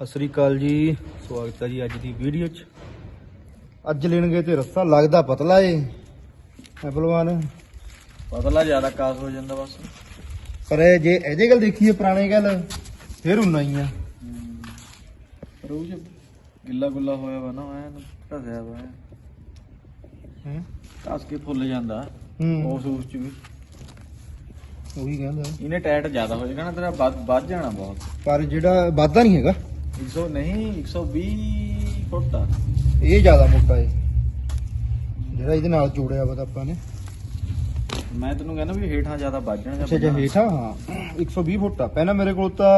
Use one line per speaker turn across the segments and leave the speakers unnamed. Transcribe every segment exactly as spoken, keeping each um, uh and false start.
ਸਤਿ ਸ੍ਰੀ ਅਕਾਲ ਜੀ, ਸਵਾਗਤ ਹੈ ਜੀ ਅੱਜ ਦੀ ਵੀਡੀਓ 'ਚ। ਅੱਜ ਲੈਣਗੇ ਤੇ ਰਸਤਾ ਲੱਗਦਾ ਪਤਲਾ ਏ ਪਹਿਲਵਾਨ,
ਪਤਲਾ ਜ਼ਿਆਦਾ ਕਾਸ ਹੋ ਜਾਂਦਾ ਬਸ।
ਪਰ ਇਹ ਜੇ ਇਹਦੇ ਗੱਲ ਦੇਖੀਏ ਪੁਰਾਣੇ ਗੱਲ ਫਿਰ ਉਨਾ ਹੀ ਆ।
ਪਰ ਉਹ ਗਿੱਲਾ ਗੁੱਲਾ ਹੋਇਆ ਵਾ ਨਾ ਐਨ ਢਸਿਆ ਵਾ
ਹੈ
ਕੱਸ ਕੇ ਫੁੱਲ ਜਾਂਦਾ
ਹੂੰ
ਉਸ ਉਸ ਚ ਵੀ।
ਉਹੀ ਕਹਿੰਦਾ,
ਇਹਨੇ ਟਾਇਟ ਜ਼ਿਆਦਾ ਹੋ ਜਾਣਾ ਤੇਰਾ, ਵੱਧ ਵੱਧ ਜਾਣਾ ਬਹੁਤ।
ਪਰ ਜਿਹੜਾ ਵਾਧਾ ਨਹੀਂ ਹੈਗਾ
ਇੱਕ ਸੌ ਨਹੀਂ ਇੱਕ ਸੌ ਵੀਹ ਫੁੱਟ ਆ
ਇਹ ਜ਼ਿਆਦਾ ਮੋਟਾ ਏ ਜਿਹੜਾ ਇਹਦੇ ਨਾਲ ਜੋੜਿਆ ਵਾ ਤਾਂ ਆਪਾਂ ਨੇ।
ਮੈਂ ਤੈਨੂੰ ਕਹਿੰਦਾ ਵੀ ਹੇਠਾਂ ਜ਼ਿਆਦਾ ਵੱਧ ਜਾਣਾ।
ਅੱਛਾ ਜੇ ਹੇਠਾਂ ਹਾਂ ਇੱਕ ਸੌ ਵੀਹ ਫੁੱਟ ਆ, ਪਹਿਲਾਂ ਮੇਰੇ ਕੋਲ ਤਾਂ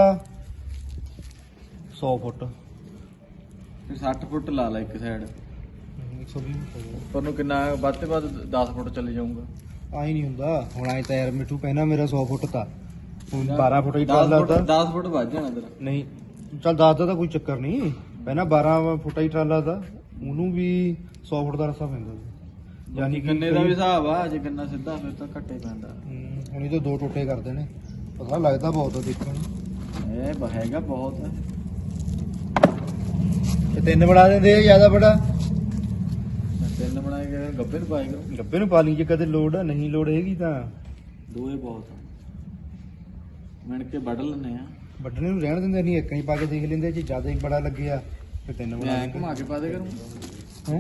ਸੌ ਫੁੱਟ
ਫਿਰ ਸੱਠ ਫੁੱਟ ਲਾ ਲਾ ਇੱਕ ਸਾਈਡ।
ਇੱਕ ਸੌ ਵੀਹ ਫੁੱਟ
ਪਰ ਨੂੰ ਕਿੰਨਾ ਵੱਧ ਤੇ ਵੱਧ ਦਸ ਫੁੱਟ ਚਲੇ ਜਾਊਗਾ।
ਆਈ ਨਹੀਂ ਹੁੰਦਾ ਹੁਣ। ਆਏ ਤਾਂ ਯਾਰ ਮਿੱਠੂ ਪਹਿਲਾਂ ਮੇਰਾ ਸੌ ਫੁੱਟ ਤਾ, ਹੁਣ ਬਾਰਾਂ ਫੁੱਟ ਹੀ ਟਰਾਲਾ ਤਾ।
ਦਸ ਫੁੱਟ ਵੱਧ ਜਾਣਾ ਤੇਰਾ।
ਨਹੀਂ ਚੱਲ ਦਸ ਦਾ ਤਾਂ ਕੋਈ ਚੱਕਰ ਨਹੀਂ, ਪਹਿਲਾਂ ਬਾਰਾਂ ਫੁੱਟਾ ਹੀ ਟਰਾਲਾ ਤਾ, ਉਹਨੂੰ ਵੀ ਸੌ ਫੁੱਟ ਦਾ ਰਸਤਾ ਪੈਂਦਾ ਸੀ।
ਯਾਨੀ ਕਿੰਨੇ ਦਾ ਵੀ ਹਿਸਾਬ ਆ, ਜੇ ਕਿੰਨਾ ਸਿੱਧਾ ਫਿਰ ਤਾਂ ਘੱਟੇ ਪੈਂਦਾ।
ਹੂੰ, ਹੁਣ ਇਹ ਤਾਂ ਦੋ ਟੋਟੇ ਕਰਦੇ ਨੇ, ਪਤਾ ਲੱਗਦਾ ਬਹੁਤ ਆ ਦੇਖਣ ਨੂੰ।
ਇਹ ਬ- ਹੈਗਾ ਬਹੁਤ।
ਇਹ ਤਿੰਨ ਬਣਾ ਦਿੰਦੇ ਆ ਜ਼ਿਆਦਾ ਬੜਾ,
ਤਿੰਨ ਬਣਾਏ ਗਏ ਗੱਬੇ ਨੂੰ ਪਾਏ ਗਏ।
ਗੱਬੇ ਨੂੰ ਪਾ ਲਈ ਜੇ ਕਦੇ ਲੋੜ ਆ, ਨਹੀਂ ਲੋੜ ਹੈਗੀ ਤਾਂ
ਦੋਏ ਬਹੁਤ ਆ, ਮਿਣ ਕੇ ਵੱਢ ਲੈਂਦੇ ਆ।
ਵੱਢਣੇ ਨੂੰ ਰਹਿਣ ਦਿੰਦੇ ਨਹੀਂ, ਇੱਕ ਹੀ ਪਾ ਕੇ ਦੇਖ ਲੈਂਦੇ, ਜੇ ਜ਼ਿਆਦਾ ਹੀ ਬੜਾ ਲੱਗਿਆ ਫਿਰ ਤਿੰਨ ਬਣਾ
ਮੈਂ
ਦਿੰਦੇ
ਘੁਮਾ ਕੇ ਪਾ ਦੇ ਕਰੂੰ।
ਹੈ।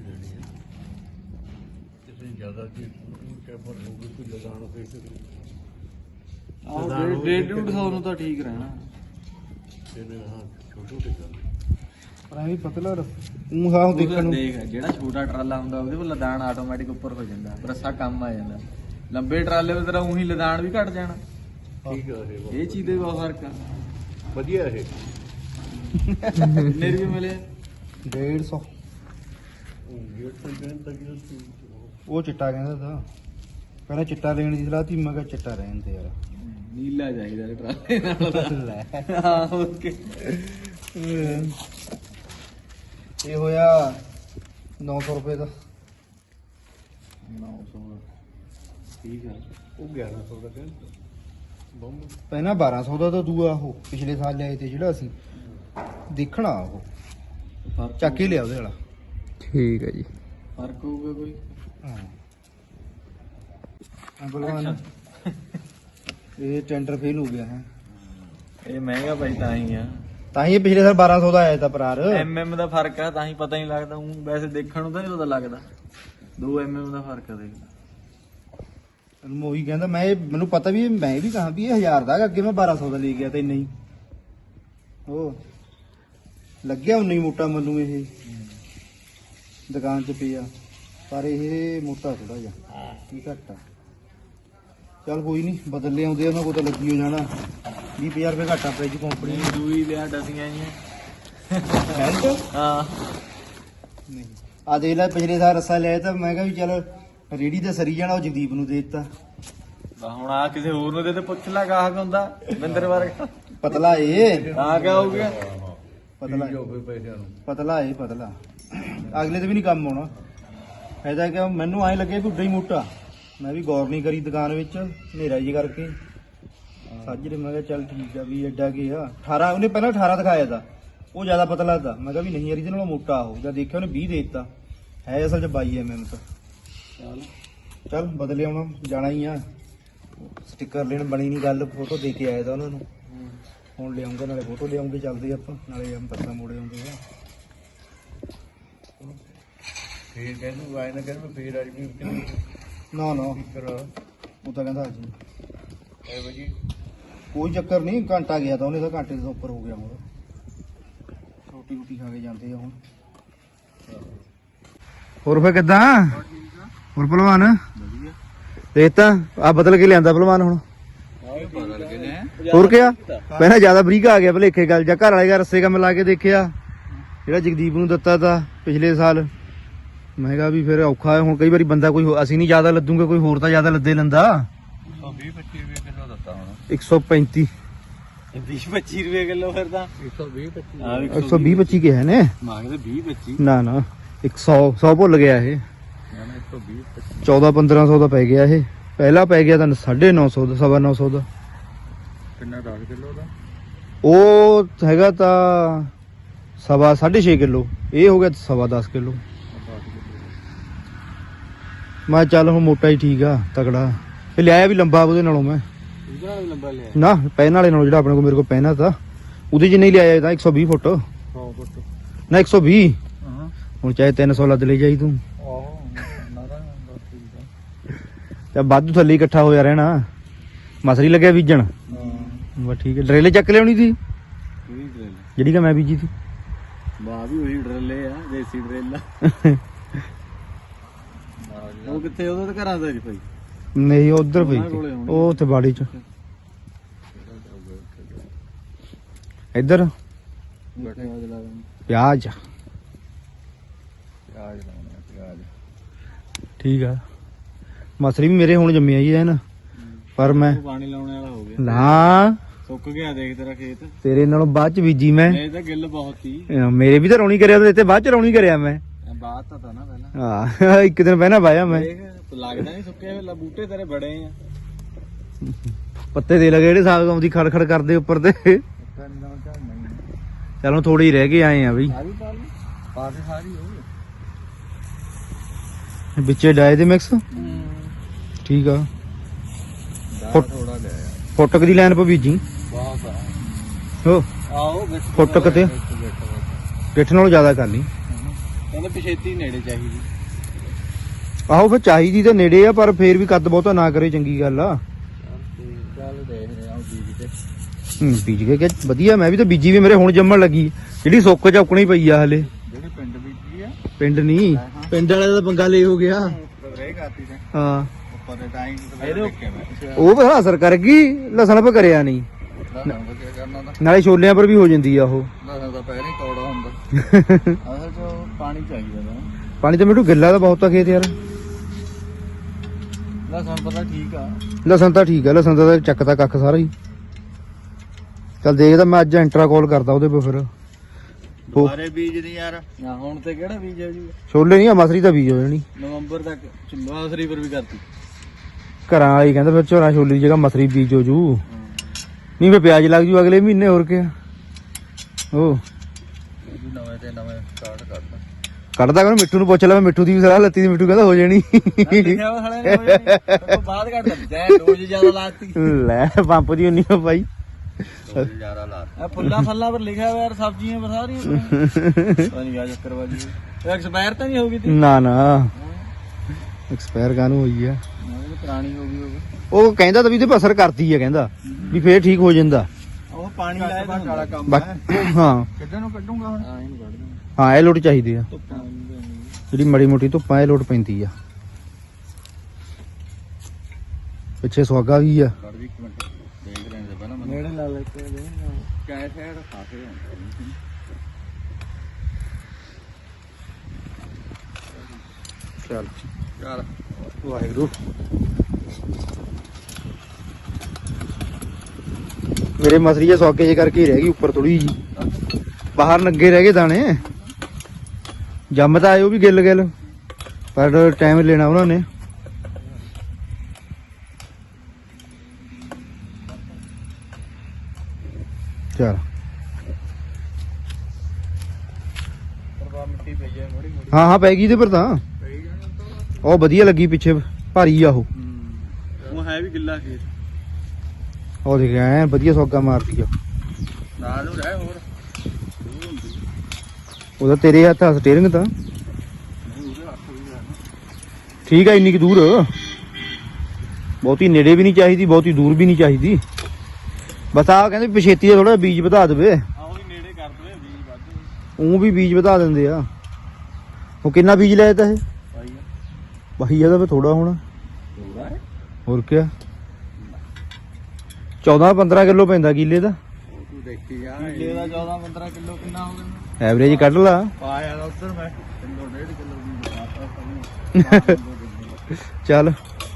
ਆਹ ਡੇਢ ਡੇਢ ਡੂਢ ਸੌ ਨੂੰ ਤਾਂ ਠੀਕ ਰਹਿਣਾ।
ਪਰ ਐਵੇਂ ਪਤਲਾ ਉਹ ਹਾਂ ਦੇਖਣ ਨੂੰ।
ਦੇਖ ਜਿਹੜਾ ਛੋਟਾ ਟਰਾਲਾ ਹੁੰਦਾ ਉਹਦੇ ਕੋਲ ਲਦਾਨ ਆਟੋਮੈਟਿਕ ਉੱਪਰ ਹੋ ਜਾਂਦਾ, ਰੱਸਾ ਕੰਮ ਆ ਜਾਂਦਾ। ਲੰਬੇ ਟਰਾਲੇ ਵਿੱਚ ਤੇਰਾ ਉਹੀ ਲਦਾਨ ਵੀ ਘਟ ਜਾਣਾ।
ਠੀਕ ਆ
ਇਹ ਚੀਜ਼ ਦੇ ਬਹੁਤ ਫਰਕ ਆ।
ਵਧੀਆ ਇਹ
ਕਿੰਨੇ ਰੁਪਏ ਮਿਲੇ?
ਡੇਢ ਸੌ। ਉਹ ਚਿੱਟਾ ਕਹਿੰਦਾ ਤਾਂ, ਪਹਿਲਾਂ ਚਿੱਟਾ ਲੈਣ ਦੀ ਸਲਾਹ ਤੀ, ਮੈਂ ਕਿਹਾ ਚਿੱਟਾ ਰਹਿਣ ਤੇ ਯਾਰ,
ਨੀਲਾ ਚਾਹੀਦਾ ਟਰਾਲੇ ਨਾਲ।
ਲੈ
ਹਾਂ ਓਕੇ।
ਇਹ ਹੋਇਆ ਨੌ ਸੌ ਰੁਪਏ ਦਾ।
ਨੌ ਸੌ ਠੀਕ ਆ।
ਉਹ ਗਿਆਰਾਂ ਸੌ ਦਾ ਕਹਿੰਦਾ, ਪਹਿਲਾਂ ਬਾਰਾਂ ਸੌ ਦਾ ਤਾਂ ਦੂਆ ਉਹ ਪਿਛਲੇ ਸਾਲ ਲਿਆਏ ਤੇ ਜਿਹੜਾ ਅਸੀਂ ਦੇਖਣਾ ਉਹ
ਫਰਕ
ਚੱਕ ਕੇ ਲਿਆ ਉਹਦੇ ਵਾਲਾ।
ਠੀਕ ਹੈ ਜੀ।
ਫਰਕ ਹੋਊਗਾ ਕੋਈ?
ਹਾਂ ਬਲਵਾਨ ਇਹ ਟੈਂਡਰ ਫੇਲ ਹੋ ਗਿਆ ਹੈ।
ਇਹ ਮਹਿੰਗਾ ਭਾਈ ਤਾਂ ਹੀ ਆ,
ਤਾਂ ਹੀ ਇਹ ਪਿਛਲੇ ਸਾਲ ਬਾਰਾਂ ਸੌ ਦਾ ਆਇਆ ਤਾਂ ਪਰਾਰ।
ਐਮ ਐਮ ਦਾ ਫਰਕ ਆ, ਤਾਂ ਹੀ ਪਤਾ ਨਹੀਂ ਲੱਗਦਾ। ਊਂ ਵੈਸੇ ਦੇਖਣ ਨੂੰ ਤਾਂ ਨਹੀਂ ਪਤਾ ਲੱਗਦਾ। ਦੋ ਐਮ ਐਮ ਦਾ ਫਰਕ ਆ ਦੇਖ।
ਮੈਂ ਉਹੀ ਕਹਿੰਦਾ, ਮੈਂ ਇਹ- ਮੈਨੂੰ ਪਤਾ ਵੀ ਇਹ- ਮੈਂ ਵੀ ਕਹਾਂ ਵੀ ਇਹ ਹਜ਼ਾਰ ਦਾ ਹੈਗਾ, ਅੱਗੇ ਮੈਂ ਬਾਰਾਂ ਸੌ ਦਾ ਲੈ ਗਿਆ ਤੇ ਨਹੀਂ ਉਹ ਲੱਗਿਆ ਉਨਾ ਹੀ ਮੋਟਾ ਮੈਨੂੰ ਇਹ ਦੁਕਾਨ 'ਚ ਪਿਆ, ਪਰ ਇਹ ਮੋਟਾ ਥੋੜਾ ਜਿਹਾ ਕੀ ਘੱਟ ਆ। ਚੱਲ ਕੋਈ ਨਹੀਂ, ਬਦਲ ਲਿਆਉਂਦੇ ਉਹਨਾਂ ਕੋਲ ਤਾਂ ਲੱਗੀ ਹੋ ਜਾਣਾ। ਵੀਹ ਪੰਜਾਹ ਰੁਪਏ ਘੱਟਾ ਫ੍ਰਿਜ ਕੰਪਨੀ
ਇਹ ਦੂਈ ਲਿਆ ਡਸੀਆਂ ਜੀਆਂ।
ਬੈਲਟ
ਹਾਂ
ਨਹੀਂ ਆ ਦੇਖ ਲੈ, ਪਿਛਲੇ ਸਾਲ ਰੱਸਾ ਲਿਆ ਤਾਂ ਮੈਂ ਕਿਹਾ ਵੀ ਚੱਲ ਰੇੜੀ ਤੇ ਸਰੀ ਜਾਣਾ, ਉਹ ਜਗਦੀਪ ਨੂੰ ਦੇ ਦਿੱਤਾ।
ਬਾ ਹੁਣ ਆ ਕਿਸੇ ਹੋਰ ਨੂੰ ਦੇ ਤੇ ਪੁੱਛ ਲੈ ਗਾਹਕ ਹੁੰਦਾ ਬਿੰਦਰ ਵਰਗਾ।
ਪਤਲਾ ਏ
ਤਾਂ ਕਿਆ ਹੋ ਗਿਆ?
ਪਤਲਾ ਪਤਲਾ ਏ ਪਤਲਾ, ਅਗਲੇ ਤੇ ਵੀ ਨਹੀਂ ਕੰਮ ਆਉਣਾ। ਫਾਇਦਾ ਕਿ ਮੈਨੂੰ ਐਂ ਲੱਗੇ ਵੀ ਉੱਡਾ ਹੀ ਮੋਟਾ। ਮੈਂ ਵੀ ਗੌਰ ਨਹੀਂ ਕਰੀ ਦੁਕਾਨ ਵਿੱਚ, ਹਨੇਰਾ ਜੀ ਕਰਕੇ ਸਾਜਰੇ। ਮੈਂ ਕਿਹਾ ਚੱਲ ਠੀਕ ਆ ਵੀ ਐਡਾ ਕੀ ਆ। ਅਠਾਰਾਂ ਉਹਨੇ ਪਹਿਲਾਂ ਅਠਾਰਾਂ ਦਿਖਾਇਆ ਤਾ, ਉਹ ਜ਼ਿਆਦਾ ਪਤਲਾ ਤਾ। ਮੈਂ ਕਿਹਾ ਵੀ ਨਹੀਂ ਯਾਰ ਇਹਦੇ ਨਾਲੋਂ ਮੋਟਾ ਉਹ, ਜਦ ਦੇਖਿਆ ਉਹਨੇ ਵੀਹ ਦੇ ਦਿੱਤਾ, ਹੈ ਅਸਲ 'ਚ ਬਾਈ ਐਮ ਐਮ ਤਾਂ।
ਚੱਲ
ਚੱਲ ਬਦਲੇ ਆਉਣਾ ਜਾਣਾ ਹੀ ਆ। ਸਟicker ਲੈਣ ਬਣੀ ਨਹੀਂ ਗੱਲ, ਫੋਟੋ ਦੇ ਕੇ ਆਇਆ ਤਾਂ ਉਹਨਾਂ ਨੂੰ। ਹੁਣ ਲਿਆਉਂਗੇ, ਨਾਲੇ ਫੋਟੋ ਲਿਆਉਂਗੇ, ਚੱਲਦੇ ਆਪਾਂ ਨਾਲੇ ਹਮ ਪੱਤਾ ਮੋੜੇ ਆਉਂਦੇ ਆ।
ਫੇਰ ਕਹਿੰਦਾ ਵਾਇ ਨਾ ਕਹਿੰਦਾ ਫੇਰ ਅੱਜ ਵੀ
ਨਾ ਨਾ ਉਹ ਤਾਂ ਕਹਿੰਦਾ ਜੀ
ਐ ਵਜੀ
ਕੋਈ ਚੱਕਰ ਨਹੀਂ, ਘੰਟਾ ਗਿਆ ਤਾਂ ਉਹਨੇ ਤਾਂ ਘੰਟੇ ਤੋਂ ਉੱਪਰ ਹੋ ਗਿਆ ਹੁਣ। ਰੋਟੀ ਰੋਟੀ ਖਾ ਕੇ ਜਾਂਦੇ ਆ ਹੁਣ। ਹੋਰ ਫੇ ਕਿੱਦਾਂ ਹੋਰ ਭਲਵਾਨ?
ਵਧੀਆ
ਦੇਖ ਤਾਂ ਆ ਬਦਲ ਕੇ ਲਿਆਂਦਾ ਭਲਵਾਨ ਹੁਣ।
ਆਹ ਬਦਲ ਕੇ ਨੇ
ਹੋਰ ਕਿਆ ਪਹਿਲਾਂ ਜ਼ਿਆਦਾ ਬਰੀਕ ਆ ਗਿਆ ਭਲੇਖੇ ਗੱਲ, ਜਾਂ ਘਰ ਵਾਲੇ ਦਾ ਰੱਸੇ ਕੰਮ ਲਾ ਕੇ ਦੇਖਿਆ ਜਿਹੜਾ ਜਗਦੀਪ ਨੂੰ ਦਿੱਤਾ ਤਾ ਪਿਛਲੇ ਸਾਲ। ਮੈਂ ਕਿਹਾ ਵੀ ਫਿਰ ਔਖਾ ਹੈ ਹੁਣ, ਕਈ ਵਾਰੀ ਬੰਦਾ ਕੋਈ ਹੋ- ਅਸੀਂ ਨਹੀਂ ਜ਼ਿਆਦਾ ਲੱਦੂਗੇ, ਕੋਈ ਹੋਰ ਤਾਂ ਜ਼ਿਆਦਾ ਲੱਦੇ ਲੈਂਦਾ।
ਵੀਹ ਪੱਚੀ ਰੁਪਏ ਕਿਲੋ ਦਿੱਤਾ ਹੁਣ।
ਇੱਕ ਸੌ ਪੈਂਤੀ
ਵੀਹ ਪੱਚੀ ਰੁਪਏ ਕਿਲੋ ਫਿਰ ਤਾਂ ਇੱਕ ਸੌ ਵੀਹ ਪੱਚੀ। ਹਾਂ
ਇੱਕ ਸੌ ਵੀਹ ਪੱਚੀ ਕਿਹਾ ਨੇ,
ਮੰਗਦੇ ਵੀਹ ਪੱਚੀ।
ਨਾ ਨਾ ਇੱਕ ਸੌ ਸੌ ਭੁੱਲ ਗਿਆ ਇਹ।
ਇੱਕ ਸੌ ਵੀਹ ਪੱਚੀ
ਚੌਦਾਂ ਪੰਦਰਾਂ ਸੌ ਦਾ ਪੈ ਗਿਆ ਇਹ, ਪਹਿਲਾਂ ਪੈ ਗਿਆ ਤਾਂ ਸਾਢੇ ਨੌ ਸੌ ਦਾ, ਸਵਾ ਨੌ ਸੌ ਦਾ।
ਕਿੰਨਾ ਦਸ ਕਿਲੋ ਦਾ?
ਉਹ ਹੈਗਾ ਤਾਂ ਸਵਾ ਸਾਢੇ ਛੇ ਕਿਲੋ, ਇਹ ਹੋ ਗਿਆ ਸਵਾ ਦਸ ਕਿਲੋ। ਮੈਂ ਚੱਲ ਹੁਣ ਮੋਟਾ ਹੀ ਠੀਕ ਆ, ਤਕੜਾ। ਇਹ ਲਿਆਇਆ ਵੀ ਲੰਬਾ ਉਹਦੇ ਨਾਲੋਂ ਮੈਂ,
ਇਹਦੇ ਨਾਲ ਵੀ ਲੰਬਾ ਲਿਆ
ਨਾ ਪੈਨ ਵਾਲੇ ਨਾਲੋਂ, ਜਿਹੜਾ ਆਪਣੇ ਕੋਲ ਮੇਰੇ ਕੋਲ ਪੈਨ ਆ ਤਾਂ ਉਹਦੇ ਜਿੰਨੇ ਹੀ ਲਿਆਇਆ ਤਾਂ ਇੱਕ ਸੌ ਵੀਹ ਫੁੱਟ
ਸੌ ਫੁੱਟ
ਨਾ ਇੱਕ ਸੌ ਵੀਹ।
ਹਾਂ
ਹੁਣ ਚਾਹੇ ਤਿੰਨ ਸੌ ਲੱਦ ਲੈ ਜਾਈ ਤੂੰ,
ਆਹੋ ਨਾਰਾ ਠੀਕ
ਤੇ ਵਾਧੂ ਥੱਲੇ ਇਕੱਠਾ ਹੋਇਆ ਰਹਿਣਾ। ਮਸਰੀ ਲੱਗਿਆ ਬੀਜਣ,
ਆ ਹਾਂ
ਬਸ ਠੀਕ ਹੈ। ਡਰੇਲੇ ਚੱਕ ਲਿਆਉਣੀ ਸੀ
ਉਹੀ ਡਰਿਲ
ਜਿਹੜੀ ਕਿ ਮੈਂ ਬੀਜੀ ਸੀ।
ਵਾਹ ਵੀ ਉਹੀ ਡਰਿਲੇ ਆ, ਦੇਸੀ ਡਰਿਲ ਆ। ਉਹ ਕਿੱਥੇ ਉਹਦੇ ਤਾਂ ਘਰਾਂ ਦਾ ਜੀ ਭਾਈ?
ਨਹੀਂ ਉਧਰ ਪਈ
ਉਹਨਾਂ
ਸੀ।
ਕੋਲੇ ਹੋਣੀ।
ਉਹ ਉੱਥੇ ਬਾੜੀ ਚ ਇੱਧਰ
ਬੈਠੇ ਆ ਜਲਾ
ਪਿਆਜ਼
ਪਿਆਜ ਲਾਉਣਾ ਪਿਆਜ।
ਠੀਕ ਆ। ਮਸਰੀ ਵੀ ਮੇਰੇ ਹੁਣ ਜੰਮੀ ਆਈ ਹੈ ਨਾ, ਪਰ ਮੈਂ
ਪਾਣੀ ਲਾਉਣੇ ਵਾਲਾ ਹੋ ਗਿਆ,
ਨਾ
ਸੁੱਕ ਗਿਆ ਦੇਖ ਤੇਰਾ ਖੇਤ।
ਤੇਰੇ ਨਾਲੋਂ ਬਾਅਦ ਚ ਬੀਜੀ ਮੈਂ।
ਇਹ ਤਾਂ ਗਿੱਲ ਬਹੁਤ ਹੀ
ਅਹ ਮੇਰੇ ਵੀ ਤਾਂ ਰੌਣੀ ਕਰਿਆ ਤੇ ਇੱਥੇ ਬਾਅਦ ਚ ਰੌਣੀ ਕਰਿਆ ਮੈਂ।
ਬਾਤ ਤਾਂ ਤਾਂ ਨਾ ਪਹਿਲਾਂ
ਹਾਂ ਇੱਕ ਦਿਨ ਪਹਿਲਾਂ ਵਾਇਆ ਮੈਂ।
ਦੇਖ ਲੱਗਦਾ ਨਹੀਂ ਸੁੱਕੇ ਹੋਏ ਬੂਟੇ ਤੇਰੇ ਬੜੇ ਆ।
ਪੱਤੇ ਦੇ ਲਗੇ ਜਿਹੜੇ ਸਾਗ ਆਉਂਦੀ ਖੜ ਖੜ ਕਰਦੇ ਉੱਪਰ ਤੇ। ਚਲੋ ਥੋੜੇ ਹੀ ਰਹਿ ਗਏ ਆਏ ਆ ਬਈ,
ਸਾਰੀ ਪਾ ਲਈ ਪਾ ਕੇ ਸਾਰੀ ਹੋ
ਵਿੱਚੇ ਡਾਏ ਦੇ ਮਿਕਸ। ਠੀਕ ਆ। ਫੁੱਟ-
ਥੋੜਾ ਲਿਆ
ਫੁੱਟਕ ਦੀ ਲਾਈਨ ਪਾ ਬੀਜੀ
ਬਹੁਤ ਆ।
ਹੋ
ਆਓ ਵਿੱਚ
ਫੁੱਟਕ ਤੇ ਪਿੱਠ ਨਾਲੋਂ ਜ਼ਿਆਦਾ ਕਰ ਲਈ।
ਕਹਿੰਦੇ ਪਿਛੇਤੀ ਨੇੜੇ ਚਾਹੀਦੀ।
ਆਹੋ ਫਿਰ ਚਾਹੀਦੀ ਤਾਂ ਨੇੜੇ ਆ, ਪਰ ਫੇਰ ਵੀ ਕੱਦ ਬਹੁਤਾ ਨਾ ਕਰੇ, ਚੰਗੀ ਗੱਲ ਆ।
ਚੱਲ ਦੇਖ ਰਹੇ ਆ ਬੀਜ ਤੇ।
ਹੂੰ ਬੀਜ ਕੇ ਕਿ ਵਧੀਆ। ਮੈਂ ਵੀ ਤਾਂ ਬੀਜੀ ਵੀ ਮੇਰੇ ਹੁਣ ਜੰਮਣ ਲੱਗੀ, ਜਿਹੜੀ ਸੁੱਕ ਚੌਕਣੀ ਪਈ ਆ ਹਲੇ।
ਜਿਹੜੇ ਪਿੰਡ ਬੀਜੀ ਆ
ਪਿੰਡ ਨਹੀਂ, ਪਿੰਡ ਵਾਲੇ ਦਾ ਪੰਗਾ ਲੈ ਹੋ ਗਿਆ।
ਰੇ ਕਰਤੀ ਤੇ
ਹਾਂ
ਉੱਪਰ ਦੇ ਟਾਈਮ ਤੇ ਦੇਖਿਆ ਮੈਂ।
ਉਹ ਬੜਾ ਅਸਰ ਕਰ ਗਈ, ਲਸਣ ਪਰ ਕਰਿਆ ਨਹੀਂ।
ਲਸਣ ਦਾ ਕੀ ਕਰਨਾ ਤਾਂ
ਨਾਲੇ ਛੋਲਿਆਂ ਪਰ ਵੀ ਹੋ ਜਾਂਦੀ ਆ ਉਹ।
ਲਸਣ ਦਾ ਪਹਿਲਾਂ ਹੀ ਤੋੜਾ ਹੁੰਦਾ। ਅਸਲ ਚ ਪਾਣੀ ਚਾਹੀਦਾ ਨਾ।
ਪਾਣੀ ਤਾਂ ਮੈਨੂੰ ਗਿੱਲਾ ਤਾਂ ਬਹੁਤ ਆ ਖੇਤ ਯਾਰ।
ਲਸਣ ਪਤਾ ਠੀਕ ਆ।
ਲਸਣ ਤਾਂ ਠੀਕ ਆ, ਲਸਣ ਦਾ ਤਾਂ ਚੱਕਦਾ ਕੱਖ ਸਾਰਾ ਹੀ। ਚੱਲ ਦੇਖਦਾ ਮੈਂ ਅੱਜ ਐਂਟਰਾ ਕਾਲ ਕਰਦਾ ਉਹਦੇ ਪੇ ਫਿਰ।
ਸਾਰੇ ਬੀਜ ਦੀ ਯਾਰ ਨਾ ਹੁਣ ਤੇ ਕਿਹੜਾ ਬੀਜ ਹੈ ਜੀ?
ਛੋਲੇ ਨਹੀਂ ਆ, ਮਸਰੀ ਤਾਂ ਬੀਜ ਹੋ ਜਾਣੀ
ਨਵੰਬਰ ਤੱਕ ਚੁੱਲਾ ਸਰੀ ਪਰ ਵੀ ਕਰਤੀ।
ਘਰਾਂ ਵਾਲੀ ਕਹਿੰਦਾ ਫਿਰ ਝੋਨਾ ਛੋਲੇ ਦੀ ਜਗ੍ਹਾ ਮਸਰੀ ਬੀਜ ਹੋ ਜੂ, ਨਹੀਂ ਫਿਰ ਪਿਆਜ਼ ਲੱਗ ਜੂ ਅਗਲੇ ਮਹੀਨੇ। ਹੋਰ ਕਿਆ ਉਹ
ਨਵੇਂ ਤੇ ਨਵੇਂ ਸਟਾਰਟ ਕਰਦਾ।
ਕੱਢਦਾ ਕਹਿੰਦਾ ਮਿੱਠੂ ਨੂੰ ਪੁੱਛ ਲੈ, ਮੈਂ ਮਿੱਠੂ ਦੀ ਵੀ ਸਲਾਹ ਲੱਤੀ ਸੀ। ਮਿੱਠੂ ਕਹਿੰਦਾ ਹੋ ਜਾਣੀ।
ਲਿਖਿਆ ਵਾ ਹਲੇ ਨੇ ਹੋ ਜਾਣੀ। ਉਹ ਬਾਅਦ ਕੱਢ ਦਿੰਦਾ ਜੈ ਡੋਜ਼ ਜ਼ਿਆਦਾ ਲਾਤੀ।
ਲੈ ਪੰਪ ਦੀ ਉਨੀ ਹੋ ਪਾਈ।
ਡੋਜ਼ ਜ਼ਿਆਦਾ ਲਾਤੀ। ਆ ਫੁੱਲਾਂ ਫੱਲਾਂ ਪਰ ਲਿਖਿਆ ਹੋਇਆ ਯਾਰ, ਸਬਜ਼ੀਆਂ ਪਰ ਸਾਰੀਆਂ। ਪਤਾ ਨਹੀਂ ਆ ਚੱਕਰ ਬਾਜੀ ਇਹ ਐਕਸਪਾਇਰ ਤਾਂ ਨਹੀਂ ਹੋ ਗਈ ਤੀ?
ਨਾ ਨਾ ਐਕਸਪਾਇਰ ਕਾਹਨੂੰ ਹੋਈ ਆ?
ਇਹ ਪੁਰਾਣੀ ਹੋ ਗਈ ਹੋਵੇ।
ਉਹ ਕਹਿੰਦਾ ਤਾਂ ਵੀ ਇਹਦੇ ਪਰ ਅਸਰ ਕਰਦੀ ਆ, ਕਹਿੰਦਾ ਵੀ ਫੇਰ ਠੀਕ ਹੋ ਜਾਂਦਾ।
ਉਹ ਪਾਣੀ ਲਾਇਆ ਤਾਂ ਵਾਲਾ ਕੰਮ
ਬਾ- ਹਾਂ
ਕਿੱਦਾਂ ਨੂੰ ਕੱਢੂਗਾ ਹੁਣ? ਹਾਂ ਇਹਨੂੰ ਕੱਢ ਦੂੰਗਾ।
ਹਾਂ ਇਹ ਲੋਟ ਚਾਹੀਦੀ ਆ,
ਧੁੱਪਾਂ
ਜਿਹੜੀ ਮੜੀ ਮੋਟੀ ਧੁੱਪਾਂ ਇਹ ਲੋਟ ਪੈਂਦੀ ਆ। ਪਿੱਛੇ ਸੁਆਗਾ ਵੀ ਆ।
ਕੱਢ ਵੀ ਇੱਕ ਮਿੰਟ ਦੇਖ ਲੈਣ ਦੇ ਪਹਿਲਾਂ ਮੈਨੂੰ। ਨੇੜੇ ਲਾ ਲੈ ਕੇ ਦੇ ਕੈ ਸਾਈਡ ਖਾਸੇ ਹੁੰਦਾ।
ਚੱਲ
ਯਾਰ
ਵਾਹਿਗੁਰੂ। ਮੇਰੇ ਮਸਰੀ ਜੇ ਸੌਕੇ ਜੇ ਕਰਕੇ ਹੀ ਰਹਿ ਗਈ ਉੱਪਰ ਥੋੜੀ ਜੀ, ਬਾਹਰ ਨੰਗੇ ਰਹਿ ਗਏ ਦਾਣੇ। ਜੰਮ ਤਾਂ ਆਏ ਉਹ ਵੀ ਗਿੱਲ ਗਿੱਲ, ਪਰ ਟਾਈਮ ਲੈਣਾ ਉਹਨਾਂ ਨੇ। ਚਲ
ਪਰਵਾ ਮਿੱਟੀ ਪਈ ਹੈ ਮੋੜੀ ਮੋੜੀ
ਹਾਂ ਹਾਂ ਪੈ ਗਈ ਇਹਦੇ ਪਰ ਤਾਂ।
ਪਈ ਜਾਣਾ
ਉਹ ਵਧੀਆ ਲੱਗੀ ਪਿੱਛੇ, ਭਾਰੀ ਆ ਉਹ।
ਉਹ ਹੈ ਵੀ ਗਿੱਲਾ ਖੇਤ।
ਉਹ ਦੇਖ ਐ ਵਧੀਆ ਸੌਗਾ ਮਾਰਦੀ ਆ।
ਨਾਲ ਨੂੰ ਰਹਿ ਹੋਰ
ਉਹਦਾ ਤੇਰੇ ਹੱਥ ਆ ਸਟੀਅਰਿੰਗ ਤਾਂ।
ਉਹਦੇ ਹੱਥ ਵੀ ਹੈ
ਠੀਕ ਆ, ਇੰਨੀ ਕੁ ਦੂਰ, ਬਹੁਤੀ ਨੇੜੇ ਵੀ ਨਹੀਂ ਚਾਹੀਦੀ, ਬਹੁਤੀ ਦੂਰ ਵੀ ਨਹੀਂ ਚਾਹੀਦੀ। ਬਸ ਆ ਕਹਿੰਦੇ ਪਛੇਤੀ ਦਾ ਥੋੜਾ ਬੀਜ ਵਧਾ ਦੇਵੇ।
ਆ ਉਹ ਵੀ ਨੇੜੇ ਕਰ ਦਵੇ ਬੀਜ ਵੱਧ
ਉਹ ਵੀ ਬੀਜ ਵਧਾ ਦਿੰਦੇ ਆ। ਉਹ ਕਿੰਨਾ ਬੀਜ ਲਿਆ ਤਾ ਇਹ?
ਪਾਈ ਆ
ਬਾਈ ਇਹਦਾ ਵੀ ਥੋੜਾ ਹੋਣਾ,
ਪੂਰਾ ਹੈ।
ਹੋਰ ਕਿਆ। ਚੌਦਾਂ ਪੰਦਰਾਂ ਕਿਲੋ ਪੈਂਦਾ ਕਿੱਲੇ ਦਾ
ਉਹ ਤੂੰ ਦੇਖੀ ਜਾ ਕਿੱਲੇ ਦਾ ਚੌਦਾਂ ਪੰਦਰਾਂ ਕਿਲੋ ਕਿੰਨਾ ਹੋ ਗਿਆ?
ਐਵਰੇਜ ਕੱਢ ਲਾ।
ਪਾਇਆ ਦਾ ਉੱਧਰ ਮੈਂ ਕਿਲੋ ਡੇਢ ਕਿਲੋ ਦੀ ਪਾਤਾ
ਚੱਲ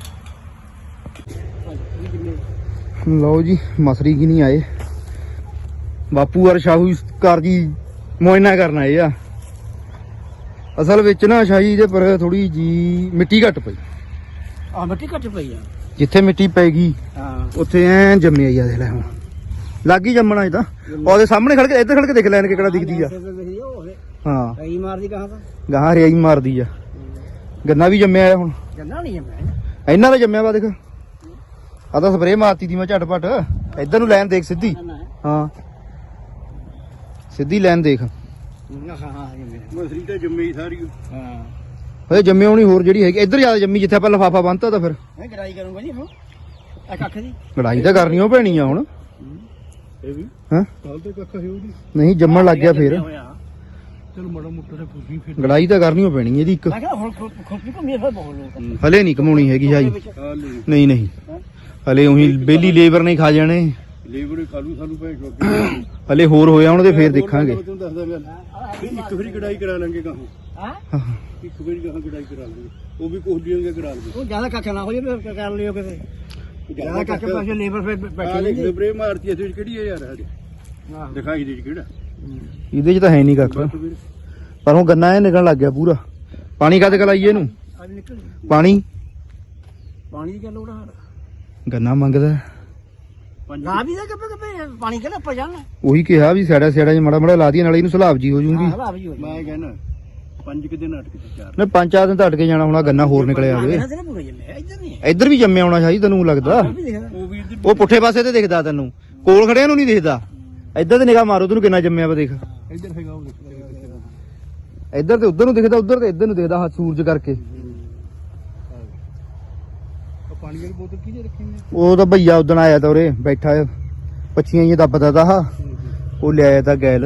ਲਓ ਜੀ, ਮਸਰੀ ਕੀ ਨਹੀਂ ਆਏ। ਬਾਪੂ ਔਰ ਸ਼ਾਹੂਕਾਰ ਜੀ ਮੁਆਇਨਾ ਕਰਨ ਆਏ ਆ। ਅਸਲ ਵਿੱਚ ਨਾ ਸ਼ਾਹੀ ਦੇ ਪਰ ਥੋੜੀ ਜੀ ਮਿੱਟੀ ਘੱਟ ਪਈ
ਆ ਮਿੱਟੀ ਘੱਟ ਪਈ ਆ।
ਜਿੱਥੇ ਮਿੱਟੀ ਪੈ ਗਈ
ਹਾਂ
ਉੱਥੇ ਐ ਜੰਮਿਆ ਹੀ ਆ। ਦੇਖ ਲੈ ਹੁਣ ਲੱਗ ਹੀ ਜੰਮਣਾ ਇਹ ਤਾਂ ਉਹਦੇ ਸਾਹਮਣੇ ਖੜ ਕੇ ਇੱਧਰ ਖੜ ਕੇ ਦੇਖ ਲੈਣ ਕਿਹੜਾ ਦਿਖਦੀ ਆ ਹਾਂ
ਕਈ ਮਾਰਦੀ ਕਹਾਂ ਤਾਂ
ਗਾਹਾਂ ਹਰਿਆਈ ਮਾਰਦੀ ਆ ਗੰਨਾ ਵੀ ਜੰਮਿਆ ਆ ਹੁਣ
ਗੰਨਾ ਨਹੀਂ ਜੰਮਿਆ
ਇਹਨਾਂ ਦਾ ਜੰਮਿਆ ਵਾ ਦੇਖ ਆ ਤਾਂ ਸਪਰੇਅ ਮਾਰਤੀ ਦੀ ਮੈਂ ਝਟਪਟ ਇੱਧਰ ਨੂੰ ਲਾਈਨ ਦੇਖ ਸਿੱਧੀ ਹਾਂ ਸਿੱਧੀ ਲਾਈਨ ਦੇਖ
ਹਾਂ ਹਾਂ ਮਸਰੀ ਤਾਂ ਜੰਮੀ ਸਾਰੀ ਹਾਂ
ਓਏ ਜੰਮੇ ਹੋਣੀ ਹੋਰ ਜਿਹੜੀ ਹੈਗੀ ਇੱਧਰ ਜ਼ਿਆਦਾ ਜੰਮੀ ਜਿੱਥੇ ਆਪਾਂ ਲਫਾਫਾ ਬੰਨਤਾ ਤਾਂ ਫਿਰ
ਮੈਂ ਗੜਾਈ ਕਰੂੰਗਾ ਜੀ ਹੁਣ ਆ ਕੱਖ ਦੀ
ਲੜਾਈ ਤਾਂ ਕਰਨੀ ਓ ਪੈਣੀ ਆ ਹੁਣ
ਇਹ ਵੀ
ਹਾਂ
ਕੱਲ ਤੇ ਕੱਖ ਹੈ ਉਹਦੀ
ਨਹੀਂ ਜੰਮਣ ਲੱਗ ਗਿਆ ਫੇਰ
ਚਲ ਮੜਾ ਮੁੱਟਾ ਤੇ ਫੁੱਜੀ ਫਿਰ
ਲੜਾਈ ਤਾਂ ਕਰਨੀ ਓ ਪੈਣੀ ਇਹਦੀ ਇੱਕ
ਮੈਂ ਕਿਹਾ ਹੁਣ ਖੁੱਪੀ ਘੁੰਮੀ ਫਿਰ ਬਹੁਤ ਲੋਕ
ਹਲੇ ਨਹੀਂ ਕਮਾਉਣੀ ਹੈਗੀ ਜਾਈ ਨਹੀਂ ਨਹੀਂ ਹਲੇ ਉਹੀ ਬੇਲੀ ਲੇਬਰ ਨਹੀਂ ਖਾ ਜਾਣੇ
ਲੇਬਰ ਖਾਲੂ ਸਾਨੂੰ ਪੈ ਸ਼ੋਕੀ
ਹਲੇ ਹੋਰ ਹੋਇਆ ਉਹਨਾਂ ਦੇ ਫੇਰ ਦੇਖਾਂਗੇ
ਤੁਹਾਨੂੰ ਦੱਸਦਾ ਗੱਲ ਇੱਕ ਵਾਰੀ ਕਢਾਈ ਕਰਾ ਲਾਂਗੇ ਗਾਹੋਂ ਹਾਂ ਇੱਕ ਵਾਰੀ ਗਾਹੋਂ ਕਢਾਈ ਕਰਾ ਲਾਂਗੇ ਉਹ ਵੀ ਕੋਹਲੀਆਂ ਦੇ ਕਰਾ ਲਵਾਂਗੇ ਉਹ ਜ਼ਿਆਦਾ ਕੱਖ ਨਾ ਹੋ ਜਾਵੇ ਫਿਰ ਕਰ ਲਿਓ ਕਿਤੇ ਜ਼ਿਆਦਾ ਕੱਖ ਪਾਸੇ ਲੇਬਰ ਫਿਰ ਬੈਠੀ ਨਹੀਂ ਸਪਰੇ ਮਾਰਤੀ ਇਸ ਵਿੱਚ ਕਿਹੜੀ ਹੈ ਯਾਰ ਹਜੇ ਦਿਖਾਈ ਦੇ ਕਿਹੜਾ
ਇਹਦੇ ਚ ਤਾਂ ਹੈ ਨਹੀਂ ਕੱਖ ਪਰ ਹੁਣ ਗੰਨਾ ਇਹ ਨਿਕਲਣ ਲੱਗ ਗਿਆ ਪੂਰਾ ਪਾਣੀ ਕਦ ਕਲਾਈਏ ਇਹਨੂੰ
ਅੱਜ ਨਿਕਲ
ਪਾਣੀ
ਪਾਣੀ ਦੀ ਗੱਲ ਉਹਦਾ
ਗੰਨਾ ਮੰਗਦਾ
ਨਾ ਵੀ ਦਾ ਕੱਪੇ ਕੱਪੇ ਪਾਣੀ ਕਿਹੜਾ ਉੱਪਰ ਜਾਣਾ
ਉਹੀ ਕਿਹਾ ਵੀ ਸਾੜਾ ਸਾੜਾ ਚ ਮੜਾ ਮੜਾ ਲਾ ਦੀਏ ਨਾਲੇ ਇਹਨੂੰ ਸਲਾਬ ਜੀ ਹੋ ਜੂਗੀ
ਮੈਂ ਕਹਿੰਦਾ ਪੰਜ ਕਿ ਦਿਨ ਅਟਕ ਕੇ ਚਾਰ
ਨਾ ਪੰਜ ਚਾਰ ਦਿਨ ਤਾਂ ਅਟਕੇ ਜਾਣਾ ਹੁਣ ਗੰਨਾ ਹੋਰ ਨਿਕਲਿਆ ਆਵੇ ਇੱਧਰ ਵੀ ਜੰਮਿਆ ਆਉਣਾ ਸ਼ਾਇਦ ਤੈਨੂੰ ਲੱਗਦਾ
ਉਹ ਵੀ
ਉਹ ਪੁੱਠੇ ਪਾਸੇ ਤੇ ਦਿਖਦਾ ਤੈਨੂੰ ਕੋਲ ਖੜਿਆ ਨੂੰ ਨਹੀਂ ਦਿਖਦਾ ਇੱਧਰ ਤੇ ਨਿਗਾਹ ਮਾਰੋ ਤੈਨੂੰ ਕਿੰਨਾ ਜੰਮਿਆ ਵਾ ਦੇਖ
ਇੱਧਰ ਹੈਗਾ ਉਹ
ਇੱਧਰ ਤੇ ਉੱਧਰ ਨੂੰ ਦਿਖਦਾ ਉੱਧਰ ਤੇ ਇੱਧਰ ਨੂੰ ਦਿਖਦਾ ਸੂਰਜ ਕਰਕੇ
ਪਾਣੀ ਵਾਲੀ ਬੋਤਲ ਕਿਹਨੇ ਰੱਖੀ ਹੈ
ਉਹ ਤਾਂ ਭਈਆ ਉਦਣ ਆਇਆ ਤਾਂ ਉਰੇ ਬੈਠਾ ਪੱਛੀਆਂ ਹੀ ਦੱਬਦਾ ਤਾ ਆਹ ਉਹ ਲਿਆਇਆ ਤਾਂ ਗੈਲ